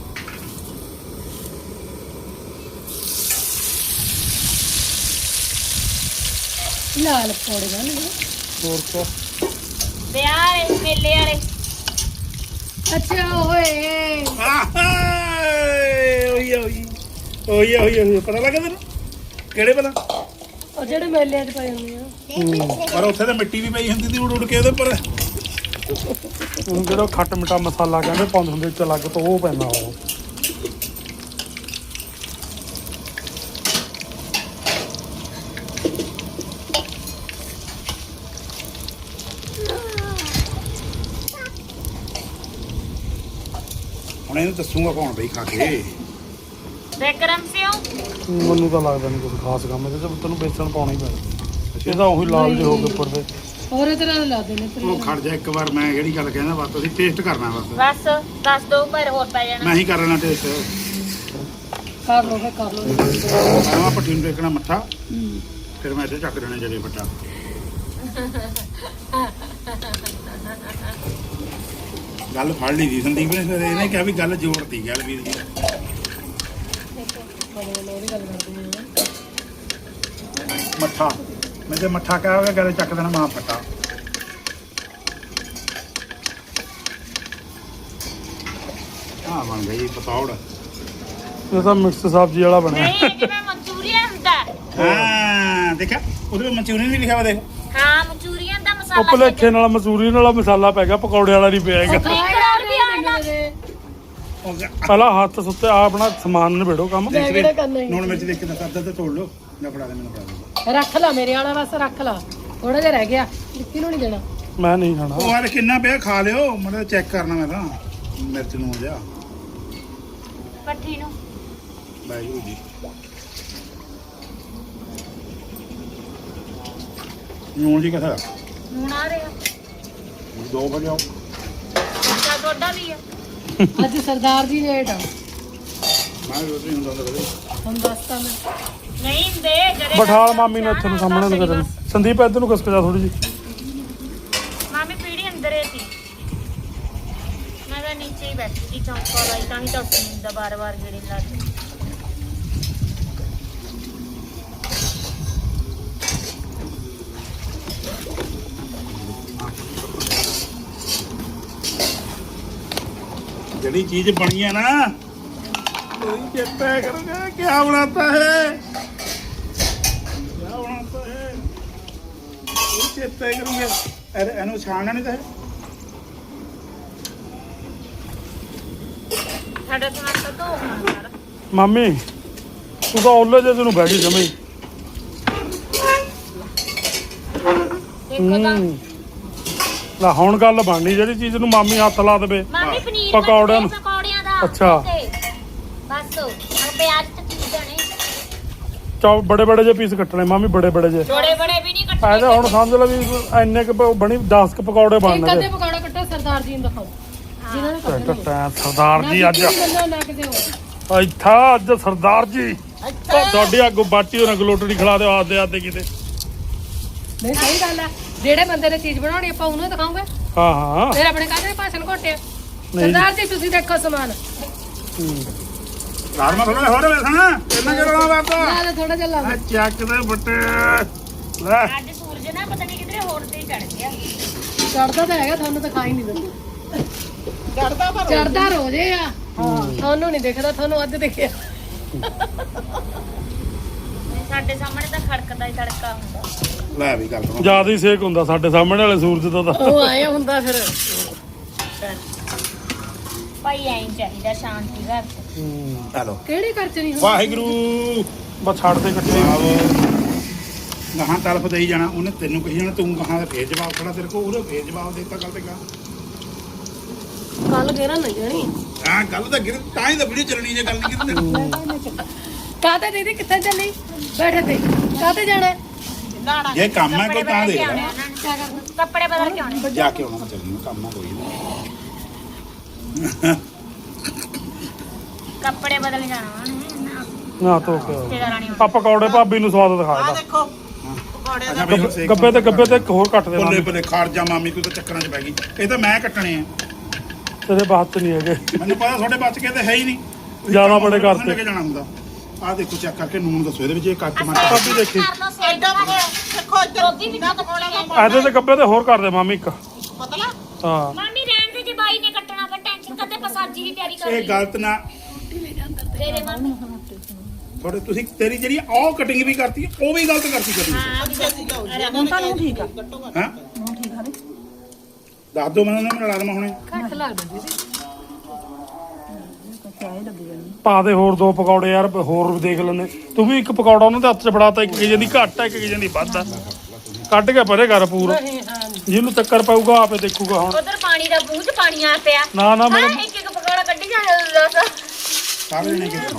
B: ਲਾਲ ਪਕੌੜੇ ਬਣਨਗੇ
A: ਹੋਰ ਕਿਆ
D: ਵਿਆਹ ਵਾਲੇ ਮੇਲੇ ਵਾਲੇ
B: ਅੱਛਾ ਓਏ
C: ਓਏ ਓਏ ਓਏ ਓਏ ਓਏ ਪਤਾ ਲੱਗਾ ਤੈਨੂੰ ਕਿਹੜੇ ਭਲਾ
B: ਉਹ ਜਿਹੜੇ ਮੇਲਿਆਂ 'ਚ ਪਏ ਹੁੰਦੇ ਆ
C: ਪਰ ਉੱਥੇ ਤਾਂ ਮਿੱਟੀ ਵੀ ਪਈ ਹੁੰਦੀ ਸੀ ਉੜ ਉੜ ਕੇ ਉਹਦੇ ਉੱਪਰ
A: ਹੁਣ ਜਿਹੜਾ ਖੱਟ ਮਿੱਠਾ ਮਸਾਲਾ ਕਹਿੰਦੇ ਪਾਉਂਦੇ ਹੁੰਦੇ ਚ ਅਲੱਗ ਤੋਂ ਉਹ ਪੈਂਦਾ ਉਹ
C: ਹੁਣ ਇਹਨੂੰ ਦੱਸੂਗਾ ਕੌਣ ਬਈ ਖਾ ਕੇ
D: ਵਿਕਰਮ ਸਿਓ
A: ਮੈਨੂੰ ਤਾਂ ਲੱਗਦਾ ਨਹੀਂ ਕੋਈ ਖਾਸ ਕੰਮ ਇਹਦੇ ਚ ਤੈਨੂੰ ਬੇਸਣ ਪਾਉਣਾ ਹੀ ਪੈਣਾ ਇਹਦਾ ਉਹੀ ਲਾਲ ਜਿਹੇ ਹੋ ਕੇ ਉੱਪਰ ਦੇ
B: ਹੋਰ ਤਰ੍ਹਾਂ ਦੇ ਲਾਦੇ ਨੇ
C: ਉਹ ਖੜ ਜਾ ਇੱਕ ਵਾਰ ਮੈਂ ਜਿਹੜੀ ਗੱਲ ਕਹਿੰਦਾ ਬਸ ਤੁਸੀਂ ਟੇਸਟ ਕਰਨਾ ਬਸ
D: ਬਸ ਦੱਸ ਦੋ ਪਰ ਹੋਰ ਪੈ ਜਾਣਾ
C: ਮੈਂ ਹੀ ਕਰ ਲੈਣਾ ਟੇਸਟ
B: ਕਰ ਲੋ ਫੇ ਕਰ ਲੋ
C: ਮੈਂ ਪੱਠੀ ਨੂੰ ਦੇਖਣਾ ਮੱਠਾ ਫਿਰ ਮੈਂ ਇੱਥੇ ਚੱਕ ਦੇਣਾ ਜਲੇ ਫੱਟਾ ਗੱਲ ਫੜ ਲਈ ਦੀ ਸੰਦੀਪ ਨੇ ਫਿਰ ਇਹਨੇ ਕਿਹਾ ਵੀ ਗੱਲ ਜੋੜਤੀ ਗੱਲ ਵੀਰ ਜੀ ਮੱਠਾ ਮੈਂ ਤੇ ਮੱਠਾ ਕਹਿ ਹੋਗਾ ਗੱਲ ਚੱਕ ਦੇਣਾ ਮਾਂ ਫੱਟਾ ਆ ਬਣ ਗਈ ਪਤੌੜ
A: ਇਹ ਤਾਂ ਮਿਕਸ ਸਬਜ਼ੀ ਵਾਲਾ ਬਣਿਆ
D: ਨਹੀਂ ਜਿਵੇਂ ਮਨਚੂਰੀਅਨ ਹੁੰਦਾ
C: ਹਾਂ ਦੇਖਿਆ ਉਹਦੇ ਵਿੱਚ ਮਨਚੂਰੀਅਨ ਵੀ ਲਿਖਿਆ ਵਾ ਦੇਖ
D: ਹਾਂ ਮਨਚੂਰੀਅਨ ਦਾ
A: ਉਹ
D: ਮਸਾਲਾ
A: ਭਲੇਖੇ ਨਾਲ ਮਸੂਰੀ ਨਾਲ ਮਸਾਲਾ ਪੈ ਗਿਆ ਪਕੌੜੇ ਵਾਲਾ ਨਹੀਂ ਪਿਆ ਹੈਗਾ
D: ਹੋਰ ਵੀ ਆਣਾ
C: ਉਹ ਗਿਆ।
A: ਪਹਿਲਾਂ ਹੱਥ ਸੁੱਤੇ ਆ ਆਪਣਾ ਸਮਾਨ ਨਿਬੇੜੋ ਕੰਮ
B: ਮੈਂ ਕਿਹੜਾ ਕਰਨਾ ਹੀ
C: ਲੂਣ ਮਿਰਚ ਦੇਖ ਕੇ ਦੱਸ ਅੱਧਾ ਤੇ ਤੋੜ ਲਓ ਜਾਂ ਫੜਾ ਦੇ ਮੈਨੂੰ ਫੜਾ ਦੇ
B: ਰੱਖ ਲਾ ਮੇਰੇ ਵਾਲਾ ਬਸ ਰੱਖ ਲਾ ਥੋੜਾ ਜਿਹਾ ਰਹਿ ਗਿਆ ਨਿੱਕੀ ਨੂੰ ਨਹੀਂ ਦੇਣਾ
A: ਮੈਂ ਨਹੀਂ ਖਾਣਾ
C: ਉਹ ਯਾਰ ਕਿੰਨਾ ਪਿਆ ਖਾ ਲਿਓ ਮੈਂ ਚੈੱਕ ਕਰਨਾ ਮੈਂ ਤਾਂ ਮਿਰਚ ਨੂੰ ਹੋ ਜਾ
D: ਪੱਠੀ ਨੂੰ
C: ਵਾਹਿਗੁਰੂ ਜੀ ਨੂਣ ਜੀ ਕਿੱਥੇ
D: ਹੁਣ ਆ ਰਿਹਾ
C: ਦੋ ਵਜੇ ਆਓ
D: ਅੱਛਾ ਤੁਹਾਡਾ ਵੀ ਆ
B: ਅੱਜ ਸਰਦਾਰ ਜੀ ਲੇਟ ਆ
C: ਮੈਂ ਰੋਟੀ ਨਹੀਂ ਹੁੰਦਾ ਕਦੇ
B: ਹੁਣ ਦੱਸਤਾ ਮੈਂ
D: ਨਹੀਂ ਦੇ ਜਿਹੜੇ
A: ਬਠਾਲ ਮਾਮੀ ਨੇ ਇੱਥੇ ਨੂੰ ਸਾਹਮਣੇ ਨੂੰ ਕਰਨ ਸੰਦੀਪ ਇੱਧਰ ਨੂੰ ਖਸਕ ਜਾ ਥੋੜੀ ਜੀ
D: ਮਾਮੀ ਪੀੜੀ ਅੰਦਰ ਹੀ ਸੀ ਮੈਂ ਤਾਂ ਨੀਚੇ ਹੀ ਬੈਠੀ ਸੀ ਚੌਂਕਾ ਲਾਈ ਤਾਂ ਹੀ ਤਾਂ ਉੱਠ ਦਾ ਬਾਰ-ਬਾਰ ਗੇੜੇ ਲੱਗ
C: ਜਿਹੜੇ ਜਿਹੜੀ ਚੀਜ਼ ਬਣੀ ਹੈ ਨਾ ਉਹਦੀ ਚੇਤਾ ਕਰੋਗੇ ਕੀ ਬਣਾਤਾ ਹੈ ਕੀ ਬਣਾਤਾ ਹੈ ਉਹ ਚੇਤਾ ਕਰੋਗੇ ਅਰੇ ਇਹਨੂੰ ਛਾਣਨਾ ਨਹੀਂ ਤਾਂ
D: ਸਾਡਾ ਟਮਾਟਰ ਧੋ ਹੋਣਾ ਸਾਰਾ
A: ਮਾਮੀ ਤੂੰ ਤਾਂ ਉਹਲੇ ਜੇ ਤੈਨੂੰ ਬਹਿ ਗਈ ਜਮੀ
D: ਦੇਖੋ ਤਾਂ
A: ਲੈ ਹੁਣ ਗੱਲ ਬਣਨੀ ਜਿਹੜੀ ਚੀਜ਼ ਨੂੰ ਮਾਮੀ ਹੱਥ ਲਾ ਦੇਵੇ
D: ਮਾਮੀ ਪਨੀਰ
A: ਪਕੌੜਿਆਂ ਨੂੰ।
D: ਪਕੌੜਿਆਂ ਦਾ
A: ਅੱਛਾ।
D: ਤੇ ਬਸ ਹੁਣ ਪਿਆਜ਼ ਤੇ ਚੀਜ਼ਾਂ ਨੇ
A: ਚੌ ਬੜੇ ਬੜੇ ਜੇ ਪੀਸ ਕੱਟਣੇ ਮਾਮੀ ਬੜੇ ਬੜੇ ਜੇ
D: ਬੜੇ ਬੜੇ ਵੀ ਨਹੀਂ ਕੱਟਣੇ
A: ਐਦਾ ਹੁਣ ਸਮਝ ਲੈ ਵੀ ਇੰਨੇ ਕੁ ਬਣੀ ਦਸ ਕੁ ਪਕੌੜੇ
B: ਇੱਕ
A: ਬਣਨਗੇ
B: ਅੱਧੇ ਪਕੌੜਾ ਕੱਟੋ ਸਰਦਾਰ ਜੀ ਨੂੰ ਦਿਖਾਓ ਜਿਨ੍ਹਾਂ ਨੇ ਕੱਟਣੇ
A: ਟੈਂ ਟੈਂ ਸਰਦਾਰ ਜੀ ਅੱਜ
B: ਬੰਦਾ ਨਾ ਕਿਤੇ ਹੋਰ
A: ਇੱਥਾ ਅੱਜ ਸਰਦਾਰ ਜੀ ਉਹ ਤੁਹਾਡੀ ਅੱਗੋਂ ਬਾਟੀ ਉਹਨਾਂ ਗਲੋਟੜੀ ਖਿਲਾ ਦਿਓ ਆਦੇ ਆਦੇ ਕਿਤੇ
B: ਨਹੀਂ ਸਹੀ ਗੱਲ ਆ ਜਿਹੜੇ ਬੰਦੇ ਨੇ ਚੀਜ਼ ਬਣਾਉਣੀ ਆਪਾਂ ਉਹਨੂੰ ਦਿਖਾਉਂਗੇ
A: ਹਾਂ ਹਾਂ
B: ਫਿਰ ਆਪਣੇ ਕਾਹਦੇ ਭਾਸ਼ਣ ਘੋਟਿਆ
A: ਨਹੀਂ ਜੀ।
B: ਸਰਦਾਰ ਜੀ ਤੁਸੀਂ ਦੇਖੋ ਸਮਾਨ
C: ਰਾਜਮਾ ਥੋੜਾ ਹੋਰ ਵੇਖਣਾ ਇਹਨਾਂ ਕਰਨਾ ਬਾਤਾ
B: ਲਾ ਲੈ ਥੋੜਾ ਜਿਹਾ ਲਾ
C: ਆ ਚੱਕ ਦੇ ਬੱਟੇ ਲੈ
D: ਅੱਜ ਸੂਰਜ ਨਾ ਪਤਾ ਨਹੀਂ ਕਿਧਰੇ ਹੋਰ ਤੇ ਚੜ ਗਿਆ
B: ਚੜਦਾ ਤਾਂ ਹੈਗਾ ਤੁਹਾਨੂੰ ਦਿਖਾਈ ਨਹੀਂ ਦਿੰਦਾ ਚੜਦਾ ਪਰ ਚੜਦਾ ਰੋਜੇ ਆ ਹਾਂ ਤੁਹਾਨੂੰ ਨਹੀਂ ਦਿਖਦਾ ਤੁਹਾਨੂੰ ਅੱਜ ਦਿਖਿਆ
D: ਸਾਡੇ ਸਾਹਮਣੇ ਤਾਂ ਖੜਕਦਾ ਹੀ ਤੜਕਾ ਹੁੰਦਾ
C: ਲੈ ਵੀ ਗੱਲ ਸੁਣੋ
A: ਜਿਆਦਾ ਹੀ ਸੇਕ ਹੁੰਦਾ ਸਾਡੇ ਸਾਹਮਣੇ ਵਾਲੇ ਸੂਰਜ ਦਾ ਤਾਂ
B: ਉਹ ਆਇਆ ਹੁੰਦਾ ਫਿਰ
D: ਭਾਈ ਐਂ ਚਾਹੀਦਾ ਸ਼ਾਂਤੀ ਘਰ ਚ
C: ਹੈਲੋ
B: ਕਿਹੜੇ ਘਰ ਚ ਨਹੀਂ ਹੁੰਦਾ
C: ਵਾਹਿਗੁਰੂ
A: ਬਸ ਛੱਡ ਦੇ ਕੱਟੇ
C: ਗਾਹਾਂ ਤਲਫ ਦੇਈ ਜਾਣਾ ਉਹਨੇ ਤੈਨੂੰ ਕਹੀ ਜਾਣਾ ਤੂੰ ਗਾਹਾਂ ਦਾ ਫੇਰ ਜਵਾਬ ਖੜਾ ਤੇਰੇ ਕੋਲ ਉਹਨੇ ਫੇਰ ਜਵਾਬ ਦੇਤਾ ਗੱਲ ਤੇ ਗਾ
B: ਕੱਲ ਗੇਰਾ ਨਹੀਂ ਜਾਣੀ
C: ਆ ਗੱਲ ਤਾਂ ਗਿਰ ਤਾਂ ਹੀ ਤਾਂ ਵੀਡੀਓ ਚੱਲਣੀ ਜੇ ਗੱਲ ਨਹੀਂ ਕੀਤੀ
B: ਕਾਹਤੇ ਦੀਦੀ ਕਿੱਥੇ ਚੱਲੀ ਬੈਠੇ ਤੇ ਕਾਹਤੇ ਜਾਣਾ
C: ਜੇ ਕੰਮ ਹੈ ਕੋਈ ਤਾਂ ਦੇ
D: ਕਿਆ ਕਰਨਾ ਕੱਪੜੇ ਬਦਲ ਕੇ ਆਉਣੇ
C: ਜਾ ਕੇ ਆਉਣਾ ਚੱਲਣਾ ਕੰਮ ਆ ਕੋਈ ਨਹੀਂ
D: ਕੱਪੜੇ ਬਦਲ ਜਾਣਾ ਉਹਨੇ
A: ਨਾ ਤੋ
D: ਰਿਸ਼ਤੇਦਾਰਾਂ ਨੇ
A: ਆ ਪਕੌੜੇ ਭਾਬੀ ਨੂੰ ਸਵਾਦ ਦਿਖਾ ਦਾ
E: ਦੇਖੋ ਪਕੌੜੇ
C: ਅੱਛਾ ਬਈ ਹੁਣ ਸੇਕ
A: ਗੱਬੇ ਤੇ ਗੱਬੇ ਤੇ ਇੱਕ ਹੋਰ ਕੱਟ ਦੇ
C: ਬੱਲੇ
A: ਮਾਮੀ
C: ਬੱਲੇ ਖਾੜ ਜਾ ਮਾਮੀ ਤੂੰ ਤਾਂ ਚੱਕਰਾਂ 'ਚ ਪੈ ਗਈ ਇਹ ਤਾਂ ਮੈਂ ਕੱਟਣੇ ਆ
A: ਤੇਰੇ ਬਾਤ ਚ ਨਹੀਂ ਹੈਗੇ
C: ਮੈਨੂੰ ਪਤਾ ਤੁਹਾਡੇ ਬਚ ਕੇ ਤੇ ਹੈ ਹੀ ਨਹੀਂ ਤੁਸੀਂ
A: ਜ਼ਿਆਦਾ
C: ਕੰਮ
A: ਬੜੇ
C: ਉੱਧਰ
A: ਕਰਤੇ।
C: ਲੈ ਕੇ ਜਾਣਾ ਹੁੰਦਾ ਆਹ ਦੇਖੋ ਚੈੱਕ ਕਰਕੇ ਨੂਨ ਦੱਸੋ ਇਹਦੇ ਵਿੱਚ ਇਹ ਕੱਟ ਟਮਾਟਰ
A: ਭਾਬੀ ਦੇਖੀ
D: ਕਰ ਲਓ ਸੇਕ
E: ਐਡਾ ਪਕੌੜਾ ਦੇਖੋ ਇੱਧਰ
D: ਗੋਭੀ ਵੀ ਨਾ ਪਕੌੜਾ
E: ਪਕੌੜਾ
A: ਇਹਦੇ ਤੇ ਗੱਬੇ ਤੇ ਹੋਰ ਕਰ ਦੇ ਮਾਮੀ ਇੱਕ
E: ਪਤਲਾ
A: ਹਾਂ
D: ਮਾਮੀ ਰਹਿਣ ਦੇ ਜੇ ਬਾਈ ਨੇ ਕੱਟਣਾ ਫਿਰ ਟੈਨਸ਼ਨ ਕਦੇ ਪਸਾਜੀ ਦੀ ਤਿਆਰੀ ਕਰ
C: ਇਹ
D: ਲਈ
C: ਗਲਤ ਨਾ
D: ਤੇਰੇ ਮਾਮੀ
C: ਤੁਹਾਡੇ ਤੁਸੀਂ ਤੇਰੀ ਜਿਹੜੀ ਆਹ ਕਟਿੰਗ ਵੀ ਕਰਤੀ ਉਹ ਵੀ ਗਲਤ ਕਰਤੀ ਕਰੀ
D: ਹਾਂ
E: ਅੱਛਾ ਜੀ ਜਾਓ ਹੁਣ ਤਾਂ ਨੂੰ ਠੀਕ ਆ
C: ਹਾਂ ਦੱਸ ਦੋ ਮੈਨੂੰ ਨਾ ਲੜਾ ਦਮਾ ਹੁਣੇ
B: ਘੱਟ ਲੱਗਦਾ ਦੀਦੀ
A: ਪਾ ਦੇ ਹੋਰ ਦੋ ਪਕੌੜੇ ਯਾਰ ਹੋਰ ਵੀ ਦੇਖ ਲੈਂਦੇ ਤੂੰ ਵੀ ਇੱਕ ਪਕੌੜਾ ਉਹਨਾਂ ਦੇ ਹੱਥ 'ਚ ਫੜਾਤਾ ਇੱਕ ਕਿਜੇ ਦੀ ਘੱਟ ਹੈ ਇੱਕ ਕਿਜੇ ਦੀ ਵੱਧ ਹੈ ਕੱਢ ਕੇ ਪਰੇ ਕਰ ਪੂਰਾ
B: ਨਹੀਂ ਹਾਂ
A: ਜਿਹਨੂੰ ਚੱਕਰ ਪਾਊਗਾ ਆਪੇ ਦੇਖੂਗਾ ਹੁਣ
D: ਉਧਰ ਪਾਣੀ ਦਾ ਬੂਝ ਪਾਣੀ ਆ ਪਿਆ
A: ਨਾ ਨਾ
D: ਹਾਂ
A: ਮੇਰੇ
D: ਇੱਕ ਇੱਕ ਪਕੌੜਾ ਕੱਢੀ ਜਾ ਦੱਸ
C: ਸਾਰੇ ਜਣੇ ਕਿਹਾ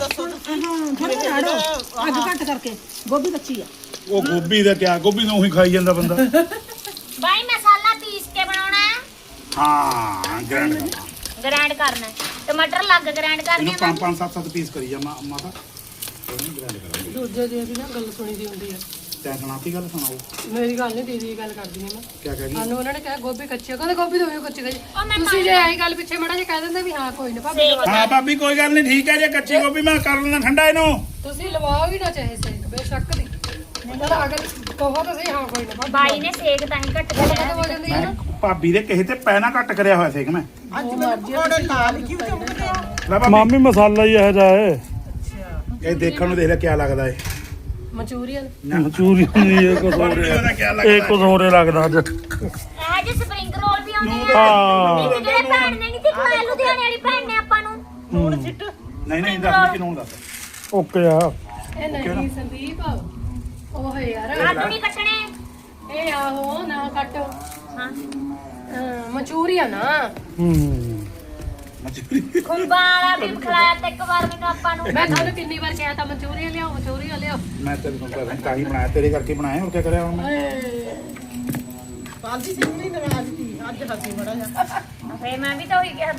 E: ਅੱਜ ਘੱਟ ਕਰਕੇ ਗੋਭੀ ਕੱਚੀ ਆ
C: ਉਹ ਗੋਭੀ ਦਾ ਕਿਆ ਗੋਭੀ ਨੂੰ ਉਹੀ ਖਾਈ ਜਾਂਦਾ ਬੰਦਾ
D: ਬਾਈ ਮਸਾਲਾ ਪੀਸ ਕੇ ਬਣਾਉਣਾ ਹੈ
C: ਹਾਂ ਗ੍ਰੈਂਡ ਕਰਨਾ
D: ਗ੍ਰਾਈਂਡ ਕਰਨਾ ਹੈ ਟਮਾਟਰ ਲੱਗ ਗ੍ਰਾਈਂਡ ਕਰਨੇ
C: ਇਹਨੂੰ
D: ਆ
C: ਪੰਜ ਪੰਜ ਸੱਤ ਸੱਤ ਪੀਸ ਕਰੀ ਜਾ ਮਾ ਮਾਤਾ ਇਹਨੂੰ ਗ੍ਰੈਂਡ ਕਰਾਂਗੇ
B: ਦੂਜੇ ਦੀ ਵੀ ਨਾ ਗੱਲ ਸੁਣੀ ਦੀ ਹੁੰਦੀ ਆ
C: ਤੈਂ ਸੁਣਾਤੀ ਗੱਲ ਸੁਣਾਓ
B: ਮੇਰੀ ਗੱਲ ਨਹੀਂ ਦੀਦੀ ਦੀ ਗੱਲ ਕਰਦੀ ਹਾਂ ਮੈਂ
C: ਕਿਆ ਕਹਿ ਗਈ
B: ਸਾਨੂੰ ਉਹਨਾਂ ਨੇ ਕਿਹਾ ਗੋਭੀ ਕੱਚੀ ਆ ਕਹਿੰਦੇ ਗੋਭੀ ਦੋਵੇਂ ਕੱਚੀ ਕੱਚੀ
D: ਉਹ ਮੈਂ
B: ਤੁਸੀਂ ਜੇ ਆਈ ਗੱਲ ਪਿੱਛੇ ਮੜਾ ਜੇ ਕਹਿ ਦਿੰਦੇ ਵੀ ਹਾਂ ਕੋਈ ਨਾ ਭਾਬੀ ਲਵਾ
C: ਹਾਂ ਭਾਬੀ ਕੋਈ ਗੱਲ ਨਹੀਂ ਠੀਕ ਹੈ ਜੇ ਕੱਚੀ ਗੋਭੀ ਮੈਂ ਕਰ ਲੈਣਾ ਠੰਡਾ ਇਹਨੂੰ
B: ਤੁਸੀਂ ਲਵਾਓ ਹੀ ਨਾ ਚਾਹੇ ਸੇਕ ਬੇਸ਼ੱਕ ਦੀ ਪਰ ਅਗਰ ਕਹੋ ਤਾਂ ਸਹੀ ਹਾਂ ਕੋਈ ਨਾ ਭਾਬੀ
D: ਬਾਈ ਨੇ ਸੇਕ ਤਾਂ ਹੀ ਘੱਟ
B: ਗੱਲ
D: ਕਰਿਆ
B: ਕਦੋਂ ਹੋ ਜਾਂਦੀ ਹੈ ਨਾ
C: ਭਾਬੀ ਦੇ ਕਿਸੇ ਤੇ ਪੈਣਾ ਘੱਟ ਕਰਿਆ ਹੋਇਆ ਸੀ ਕਿ ਮੈਂ
E: ਅੱਜ ਮੈਂ ਪਕੌੜੇ ਨਾਲ ਕਿਉਂ ਚੁੰਮਦੇ ਆ
C: ਲੈ ਭਾਬੀ
A: ਮਾਮੀ ਮਸਾਲਾ ਹੀ ਇਹੋ ਜਿਹਾ ਹੈ
C: ਇਹ ਦੇਖਣ ਨੂੰ ਦੇਖ ਲੈ ਕਿਆ ਲੱਗਦਾ ਏ
B: ਮਨਚੂਰੀਅਨ
A: ਮਨਚੂਰੀ ਨਹੀਂ ਇਹ ਕੁਝ ਹੋਰ
C: ਉਹਦਾ
A: ਹੈ
C: ਕਿਆ ਲੱਗਦਾ
A: ਇਹ ਕੁਝ ਹੋਰ ਹੀ ਲੱਗਦਾ ਅੱਜ
D: ਇਹ ਜੇ ਸਪਰਿੰਗ ਰੋਲ ਵੀ ਆਉਂਦੇ ਆ
A: ਹਾਂ
D: ਇੱਕ ਜਿਹੜੇ ਭੈਣ ਨੇ ਨਹੀਂ ਤੇ ਖਵਾਇਆ ਲੁਧਿਆਣੇ ਵਾਲੀ ਭੈਣ ਨੇ ਆਪਾਂ ਨੂੰ
C: ਨੂਣ ਸਿੱਟ ਨਹੀਂ ਨਹੀਂ ਦੱਸ ਕਿ ਨੂਣ ਦੱਸ
A: ਓਕੇ ਆ
B: ਇਹ ਨਹੀਂ ਸੰਦੀਪ ਉਹ ਹੈ ਯਾਰ
D: ਆਲੂ ਨਹੀਂ ਕੱਟਣੇ
B: ਇਹ ਆਹੋ ਨਾ ਕੱਟ
D: ਹਾਂ
B: ਮਨਚੂਰੀਅਨ ਆ
A: ਹੂੰ
C: ਮਜਬੂਰੀ
D: ਖੁੰਬਾਂ ਵਾਲਾ ਵੀ ਖਿਲਾਇਆ ਤੇ ਇੱਕ ਵਾਰ ਮੈਨੂੰ ਆਪਾਂ ਨੂੰ
B: ਮੈਂ ਤੁਹਾਨੂੰ ਕਿੰਨੀ ਵਾਰ ਕਿਹਾ ਤਾਂ ਮਨਚੂਰੀਅਨ ਲਿਆਓ ਮਨਚੂਰੀਅਨ ਲਿਆਓ
C: ਮੈਂ ਤੈਨੂੰ ਪਤਾ ਤਾਂ ਹੀ ਬਣਾਇਆ ਤੇਰੇ ਕਰਕੇ ਬਣਾਇਆ ਹੋਰ ਕੀ ਕਰਿਆ ਹੁਣ ਮੈਂ
E: ਪਾਲਦੀ ਸਿੰਘ ਨਹੀਂ ਨਾਰਾਜ਼ ਸੀ ਅੱਜ ਹੱਸੀ ਬੜਾ ਜਾ
D: ਫੇਰ ਮੈਂ ਵੀ ਤਾਂ ਉਹੀ ਕਿਹਾ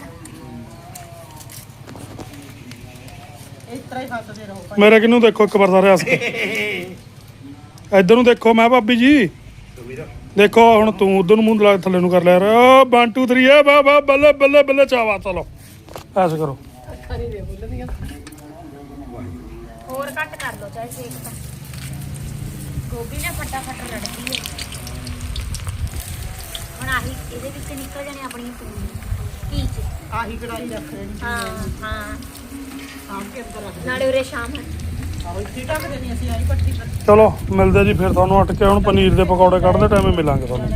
E: ਇਸ ਤਰ੍ਹਾਂ ਹੀ ਹੱਸਦੇ ਰਹੋ
A: ਮੇਰੇ ਕਿਨੂੰ ਦੇਖੋ ਇੱਕ ਵਾਰ ਸਾਰੇ ਹੱਸ ਕੇ ਇੱਧਰ ਨੂੰ ਦੇਖੋ ਮੈਂ ਭਾਬੀ ਜੀ ਦੇਖੋ ਹੁਣ ਤੂੰ ਉਧਰ ਨੂੰ ਮੂੰਹ ਲਾ ਕੇ ਥੱਲੇ ਨੂੰ ਕਰ ਲਿਆ ਓ ਵਨ ਟੂ ਥ੍ਰੀ ਆ ਵਾ ਵਾ ਬੱਲੇ ਬੱਲੇ ਬੱਲੇ ਚਾਵਾ ਚਲੋ ਐਸੇ ਕਰੋ
B: ਅੱਖਾਂ ਨਹੀਂ ਦੇ ਬੋਲਦੀਆਂ
D: ਹੋਰ ਘੱਟ ਕਰ ਲਓ ਚਾਹੇ ਸੇਕ ਤਾਂ ਗੋਭੀ ਨਾ ਫਟਾਫਟ ਰੜਦੀ ਹੈ ਹੁਣ ਆਹੀ ਇਹਦੇ ਵਿੱਚ ਨਿਕਲ ਜਾਣੇ ਆਪਣੀਆਂ ਪੂਰੀਆਂ ਕੀ ਚ
E: ਆਹੀ ਕੜਾਈ ਰੱਖ ਦੇਣੀ
D: ਹਾਂ ਹਾਂ
E: ਸਾਂਭ ਕੇ ਅੰਦਰ ਰੱਖ ਦੇਣੀ
D: ਨਾਲੇ ਉਰੇ ਸ਼ਾਮ ਹੈ
E: ਆਹੋ ਇੱਥੇ ਹੀ ਢੱਕ ਦੇਣੀ ਅਸੀਂ ਆਹੀ ਪੱਟੀ ਪਰ
A: ਚਲੋ ਮਿਲਦੇ ਜੀ ਫਿਰ ਤੁਹਾਨੂੰ ਅਟ ਕੇ ਹੁਣ ਪਨੀਰ ਦੇ ਪਕੌੜੇ ਕੱਢਦੇ ਟਾਈਮੇ ਮਿਲਾਂਗੇ ਤੁਹਾਨੂੰ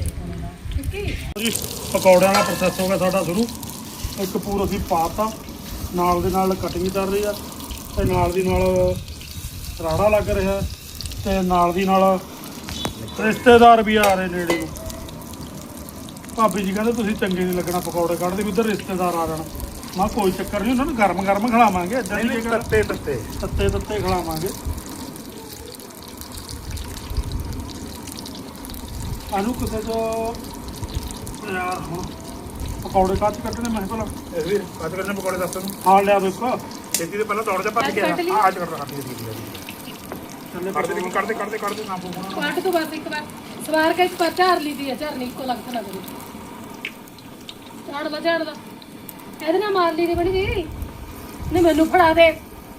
A: ਜੀ ਪਕੌੜਿਆਂ ਦਾ ਪ੍ਰੋਸੈਸ ਹੋ ਗਿਆ ਸਾਡਾ ਸ਼ੁਰੂ। ਇੱਕ ਪੂਰ ਅਸੀਂ ਪਾਤਾ, ਨਾਲ ਦੇ ਨਾਲ ਕਟਿੰਗ ਚੱਲ ਰਹੀ ਆ ਤੇ ਨਾਲ ਦੀ ਨਾਲ ਰਾੜਾ ਲੱਗ ਰਿਹਾ ਤੇ ਨਾਲ ਦੀ ਨਾਲ ਰਿਸ਼ਤੇਦਾਰ ਵੀ ਆ ਰਹੇ ਨੇੜੇ ਨੂੰ। ਭਾਬੀ ਜੀ ਕਹਿੰਦੇ ਤੁਸੀਂ ਚੰਗੇ ਨਹੀਂ ਲੱਗਣਾ ਪਕੌੜੇ ਕੱਢਦੇ ਵੀ ਉੱਧਰ ਰਿਸ਼ਤੇਦਾਰ ਆ ਜਾਣ। ਮੈਂ ਕਿਹਾ ਕੋਈ ਚੱਕਰ ਨਹੀਂ, ਉਹਨਾਂ ਨੂੰ ਗਰਮ ਗਰਮ ਖਿਲਾਵਾਂਗੇ, ਏਦਾਂ ਦੀ ਕੀ ਗੱਲ,
C: ਤੱਤੇ ਤੱਤੇ
A: ਤੱਤੇ ਤੱਤੇ ਖਿਲਾਵਾਂਗੇ। ਆਨੂੰ ਕਿਸੇ ਤੋਂ ਯਾਰ ਹੁਣ ਪਕੌੜੇ ਕਾਹ 'ਚ ਕੱਢਣੇ ਮੈਂ ਕਿਹਾ ਭਲਾ
C: ਇਹ ਵੀ ਕੱਟ ਕਰਨੇ ਪਕੌੜੇ ਦੱਸ ਤੈਨੂੰ
A: ਹਾਂ ਲਿਆ ਦੇਖੋ
C: ਛੇਤੀ ਦੇ ਪਹਿਲਾਂ ਦੌੜ ਜਾ ਭੱਜ ਗਿਆ
B: ਕੱਟ ਲਈ।
C: ਆ ਅੱਜ ਕਰ ਰਹਾ ਸੀ
A: ਚੱਲੇ
C: ਕੱਢ ਦੇ ਕੱਢ ਦੇ ਕੱਢ ਦੇ ਕੱਢ ਦੇ ਨਾ ਪੂਣਾ
B: ਕੱਟ ਤੋਂ ਬਸ ਇੱਕ ਵਾਰ ਸਵਾਰ ਕੇ ਇੱਕ ਵਾਰ ਝਾੜ ਲਈ ਦੀ ਹੈ, ਝਾੜਨੀ ਇੱਕੋ ਲੱਗ ਨਾ ਕਰੀ। ਝਾੜ ਲਾ ਝਾੜ ਲਾ ਇਹਦੇ ਨਾਲ ਮਾਰ ਲਈ ਦੀ ਬੜੀ ਜੀ ਨਹੀਂ ਮੈਨੂੰ ਫੜਾ ਦੇ।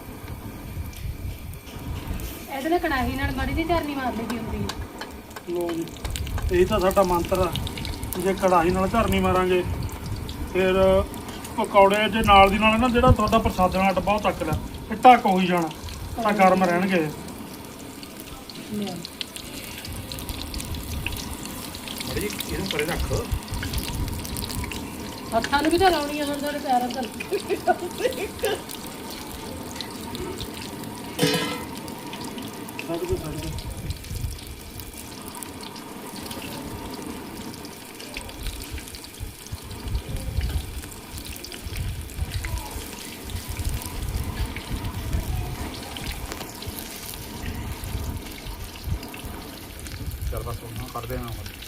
B: ਇਹਦੇ ਨਾਲ ਕੜਾਹੀ ਨਾਲ ਬੜੀ ਦੀ ਝਾੜਨੀ ਮਾਰ ਲਈ ਦੀ ਹੁੰਦੀ ਹੈ।
A: ਲੋ ਜੀ ਇਹ ਤਾਂ ਸਾਡਾ ਮੰਤਰ ਆ। ਜੇ ਕੜਾਹੀ ਨਾਲ ਧਰਨੀ ਮਾਰਾਂਗੇ ਫਿਰ ਪਕੌੜੇ ਜੇ ਨਾਲ ਦੀ ਨਾਲ ਨਾ ਜਿਹੜਾ ਤੁਹਾਡਾ ਪ੍ਰਸਾਦਿਆਂ ਦਾ ਡੱਬਾ ਉਹ ਚੱਕ ਲਿਆ ਇਹ ਢੱਕ ਹੋਈ ਜਾਣਾ ਤਾਂ ਗਰਮ ਰਹਿਣਗੇ।
C: ਬੜੀ ਇਹਨੂੰ ਪਰੇ ਰੱਖ
B: ਹੱਥਾਂ ਨੂੰ ਵੀ ਤਾਂ ਲਾਉਣੀ ਆ ਹੁਣ ਤੁਹਾਡੇ ਪੈਰਾਂ ਤੇ।
A: ਸਭ ਕੁਝ ਛੱਡ ਦਿਓ।
C: ਚੱਲ ਬਸ ਹੁਣ ਕਰ ਦੇਣਾ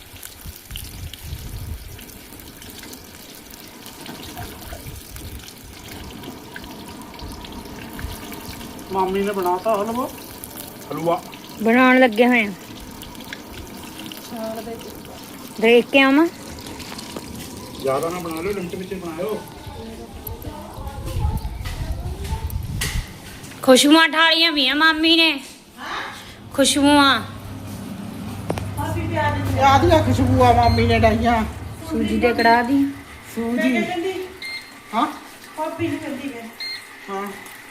A: ਮਾਮੀ ਨੇ ਬਣਾਤਾ ਹਲਵਾ
C: ਹਲਵਾ
D: ਬਣਾਉਣ ਲੱਗੇ ਹੋਏ ਆ। ਦੇਖ ਕੇ ਆਵਾਂ
C: ਜ਼ਿਆਦਾ ਨਾ ਬਣਾ ਲਿਓ, ਲਿਮਟ ਵਿੱਚ ਬਣਾਇਓ।
D: ਖੁਸ਼ਬੂਆਂ ਠਾਲੀਆਂ ਵੀ ਆ ਮਾਮੀ ਨੇ। ਖੁਸ਼ਬੂਆਂ
E: ਯਾਦ ਆ ਖੁਸ਼ਬੂ ਆ ਮਾਮੀ ਨੇ ਡਾਈਆਂ
D: ਸੂਜੀ ਦੇ ਕੜਾਹ ਦੀ।
E: ਸੂਜੀ ਹਾਂ ਪਾਪੀ ਨੂੰ ਕਹਿੰਦੀ ਹੈ ਹਾਂ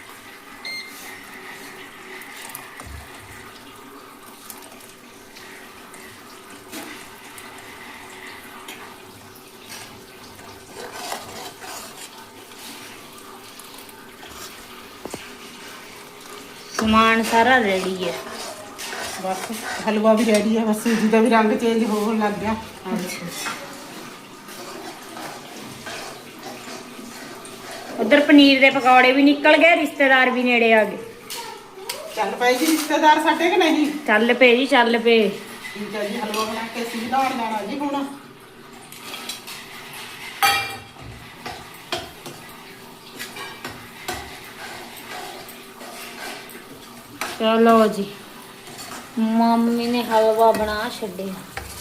D: ਸਮਾਨ ਸਾਰਾ ਰੈਡੀ ਹੈ।
E: ਬਸ ਹਲਵਾ ਵੀ ਰੈਡੀ ਹੈ, ਬਸ ਸੂਜੀ ਦਾ ਵੀ ਰੰਗ ਚੇਂਜ ਹੋਣ ਲੱਗ ਗਿਆ।
D: ਉਧਰ ਪਨੀਰ ਦੇ ਪਕੌੜੇ ਵੀ ਨਿਕਲ ਗਏ, ਰਿਸ਼ਤੇਦਾਰ ਵੀ ਨੇੜੇ ਆ ਗਏ।
E: ਚੱਲ ਪਏ ਜੀ ਰਿਸ਼ਤੇਦਾਰ ਸਾਡੇ ਕਿ ਨਹੀਂ?
D: ਚੱਲ ਪਏ ਜੀ ਚੱਲ ਪਏ।
E: ਠੀਕ ਹੈ ਜੀ, ਹਲਵਾ ਬਣਾ ਕੇ ਅਸੀਂ ਧਾਰ ਲੈਣਾ ਜੀ ਹੁਣ।
D: ਚਲੋ ਜੀ ਮੰਮੀ ਨੇ ਹਲਵਾ ਬਣਾ ਛੱਡਿਆ।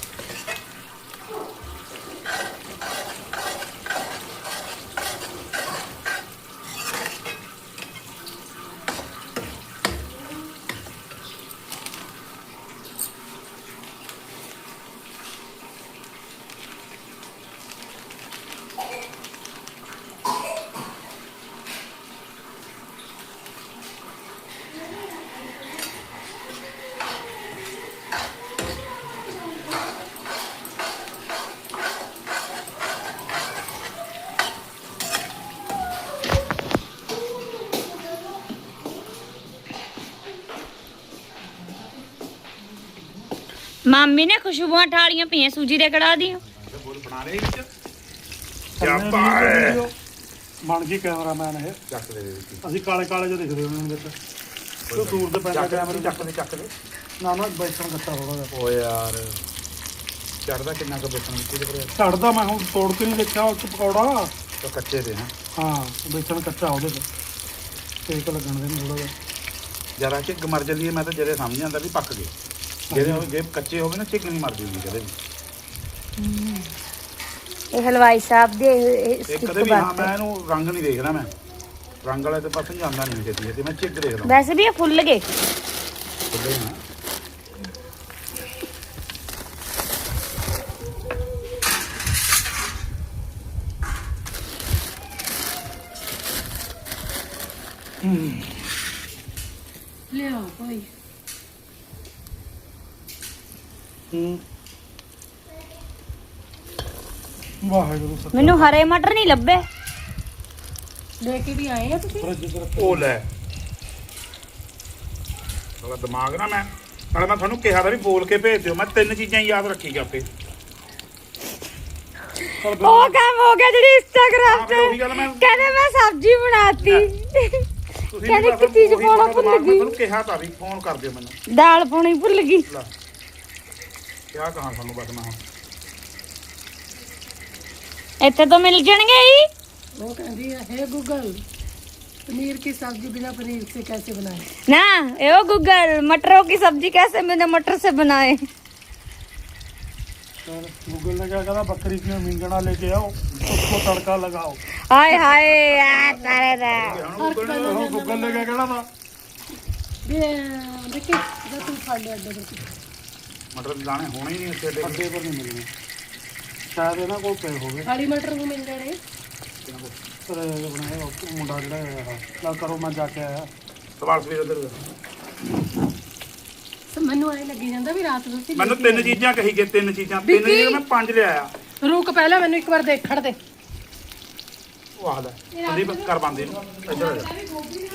D: ਮਾਮੀ ਨੇ ਖੁਸ਼ਬੂਆਂ ਠਾਲੀਆਂ ਪਈਆਂ ਸੂਜੀ ਦੇ ਕੜਾਹ ਦੀਆਂ।
C: ਬੋਲ ਬਣਾ ਲੈ ਵਿੱਚ
A: ਚੱਲ
C: ਪਾਏ।
A: ਬਣ ਗਈ ਕੈਮਰਾਮੈਨ ਇਹ।
C: ਚੱਕ ਦੇ ਦੇ ਵਿੱਚ
A: ਅਸੀਂ ਕਾਲੇ ਕਾਲੇ ਜਿਹੇ ਦਿਖਦੇ ਉਹਨਾਂ ਦੇ ਵਿੱਚ ਤੂੰ ਦੂਰ ਤੇ ਪੈਂਦਾ ਕੈਮਰੇ
C: ਚੱਕ ਦੇ ਚੱਕ ਦੇ
A: ਨਾ ਨਾ ਬੈਠਣ ਕੱਟਾ ਥੋੜਾ ਜਿਹਾ
C: ਓ ਯਾਰ ਚੜਦਾ ਕਿੰਨਾ ਕੁ ਬੇਸਣ ਵਿੱਚ ਇਹਦੇ ਪਰ
A: ਛੱਡਦਾ ਮੈਂ ਹੁਣ ਤੋੜ ਕੇ ਨਹੀਂ ਦੇਖਿਆ ਉਹ 'ਚ ਪਕੌੜਾ।
C: ਤਾਂ ਕੱਚੇ ਦੇ ਹਾਂ
A: ਹਾਂ ਬੇਸਣ ਕੱਚਾ ਉਹਦੇ ਤੇ ਤੇਕ ਲੱਗਣ ਦੇ ਥੋੜਾ ਜਿਹਾ।
C: ਜਰਾ ਝਿੱਗ ਮਰ ਜਾਂਦੀ ਹੈ, ਮੈਂ ਤਾਂ ਜਿਹੜੇ ਸਮਝ ਜਾਂਦਾ ਵੀ ਪੱਕ ਗਏ। ਜਿਹੜੇ ਉਹ ਜੇ ਕੱਚੇ ਹੋਵੇ ਨਾ ਝਿੱਗ ਨਹੀਂ ਮਰਦੀ ਹੁੰਦੀ ਕਦੇ ਵੀ।
D: ਇਹ ਹਲਵਾਈ ਸਾਹਿਬ ਦੇ
C: ਇਹ ਕਦੇ ਵੀ ਹਾਂ ਮੈਂ ਇਹਨੂੰ ਰੰਗ ਨਹੀਂ ਦੇਖਦਾ, ਮੈਂ ਰੰਗ ਵਾਲੇ ਤੇ ਪਾਸੇ ਜਾਂਦਾ ਨਹੀਂ ਛੇਤੀ ਤੇ ਮੈਂ ਝਿੱਗ ਦੇਖਦਾ।
D: ਵੈਸੇ ਵੀ ਇਹ ਫੁੱਲ ਗਏ।
C: ਖੁੱਲੇ ਨਾ
B: ਲਿਆਓ ਭਾਈ।
A: ਹੂੰ ਵਾਹਿਗੁਰੂ ਸਤਿ
D: ਮੈਨੂੰ ਹਰੇ ਮਟਰ ਨਹੀਂ ਲੱਭੇ।
B: ਲੈ ਕੇ ਵੀ ਆਏ ਆ ਤੁਸੀਂ?
C: ਉਹ ਲੈ ਸਾਲਾ ਦਿਮਾਗ ਨਾ ਮੈਂ ਨਾਲੇ ਮੈਂ ਤੁਹਾਨੂੰ ਕਿਹਾ ਤਾਂ ਵੀ ਬੋਲ ਕੇ ਭੇਜ ਦਿਓ। ਮੈਂ ਤਿੰਨ ਚੀਜ਼ਾਂ ਹੀ ਯਾਦ ਰੱਖੀ ਆਪੇ।
D: ਉਹ ਕੰਮ ਹੋ ਗਿਆ ਜਿਹੜੀ ਇੰਸਟਾਗ੍ਰਾਮ
C: ਹਾਂ, ਫਿਰ ਉਹੀ ਗੱਲ ਮੈਂ-
D: ਕਹਿੰਦੇ ਮੈਂ ਸਬਜ਼ੀ ਬਣਾਤੀ।
C: ਤੁਸੀਂ
D: ਕਹਿੰਦੇ
C: ਵੀ
D: ਕਿ ਚੀਜ਼
C: ਉਹੀ
D: ਪਾਉਣਾ
C: ਤੁਹਾਡਾ
D: ਭੁੱਲ
C: ਦਿਮਾਗ, ਮੈਂ
D: ਗਈ।
C: ਤੁਹਾਨੂੰ ਕਿਹਾ ਤਾਂ ਵੀ ਫੋਨ ਕਰ ਦਿਓ ਮੈਨੂੰ।
D: ਦਾਲ ਪਾਉਣੀ ਭੁੱਲ ਗਈ।
C: ਲੈ ਕਿਆ ਕਹਾਂ ਤੁਹਾਨੂੰ ਬਸ ਮੈਂ ਹੁਣ।
D: ਇੱਥੇ ਤੋਂ ਮਿਲ ਜਾਣਗੇ ਹੀ।
B: वो कहती है हे गूगल पनीर की सब्जी बिना पनीर से कैसे बनाए।
D: ना ए गूगल मटरों की सब्जी कैसे बिना मटर से बनाए।
A: गूगल ने क्या कहा बकरी की मिंगना लेके आओ उसको तड़का लगाओ।
D: हाय हाय आ तारे रे।
A: गूगल ने क्या कहना था
B: ये देखिए जब तुम खा ले अड्डे पर
C: ਮਟਰ ਦੇ ਦਾਣੇ ਹੋਣੇ ਹੀ ਨਹੀਂ ਇੱਥੇ ਏਡੇ।
A: अड्डे पर नहीं मिलने शायद है ना कोई पे हो गए
B: खाली मटर को मिल रहे
A: अरे बनाए मुंडा जड़ा ला करो मैं जाके आया
C: ਸਵਾਲ ਸਵੇਰ ਇੱਧਰ
B: सब मैनू आए लगी ਜਾਂਦਾ ਵੀ ਰਾਤ ਨੂੰ ਸੀ।
C: ਮੈਨੂੰ ਤਿੰਨ ਚੀਜ਼ਾਂ ਕਹੀ ਗਏ। ਤਿੰਨ ਚੀਜ਼ਾਂ ਤਿੰਨ ਚੀਜ਼ਾਂ ਮੈਂ ਪੰਜ ਲਿਆਇਆ।
B: ਰੁਕ ਪਹਿਲਾਂ ਮੈਨੂੰ ਇੱਕ ਵਾਰ ਦੇਖਣ ਦੇ।
C: ਉਹ ਆਹ ਲੈ ਸੰਦੀਪ ਕਰ ਬੰਦੇ ਨੂੰ ਇੱਧਰ ਆ ਜਾ।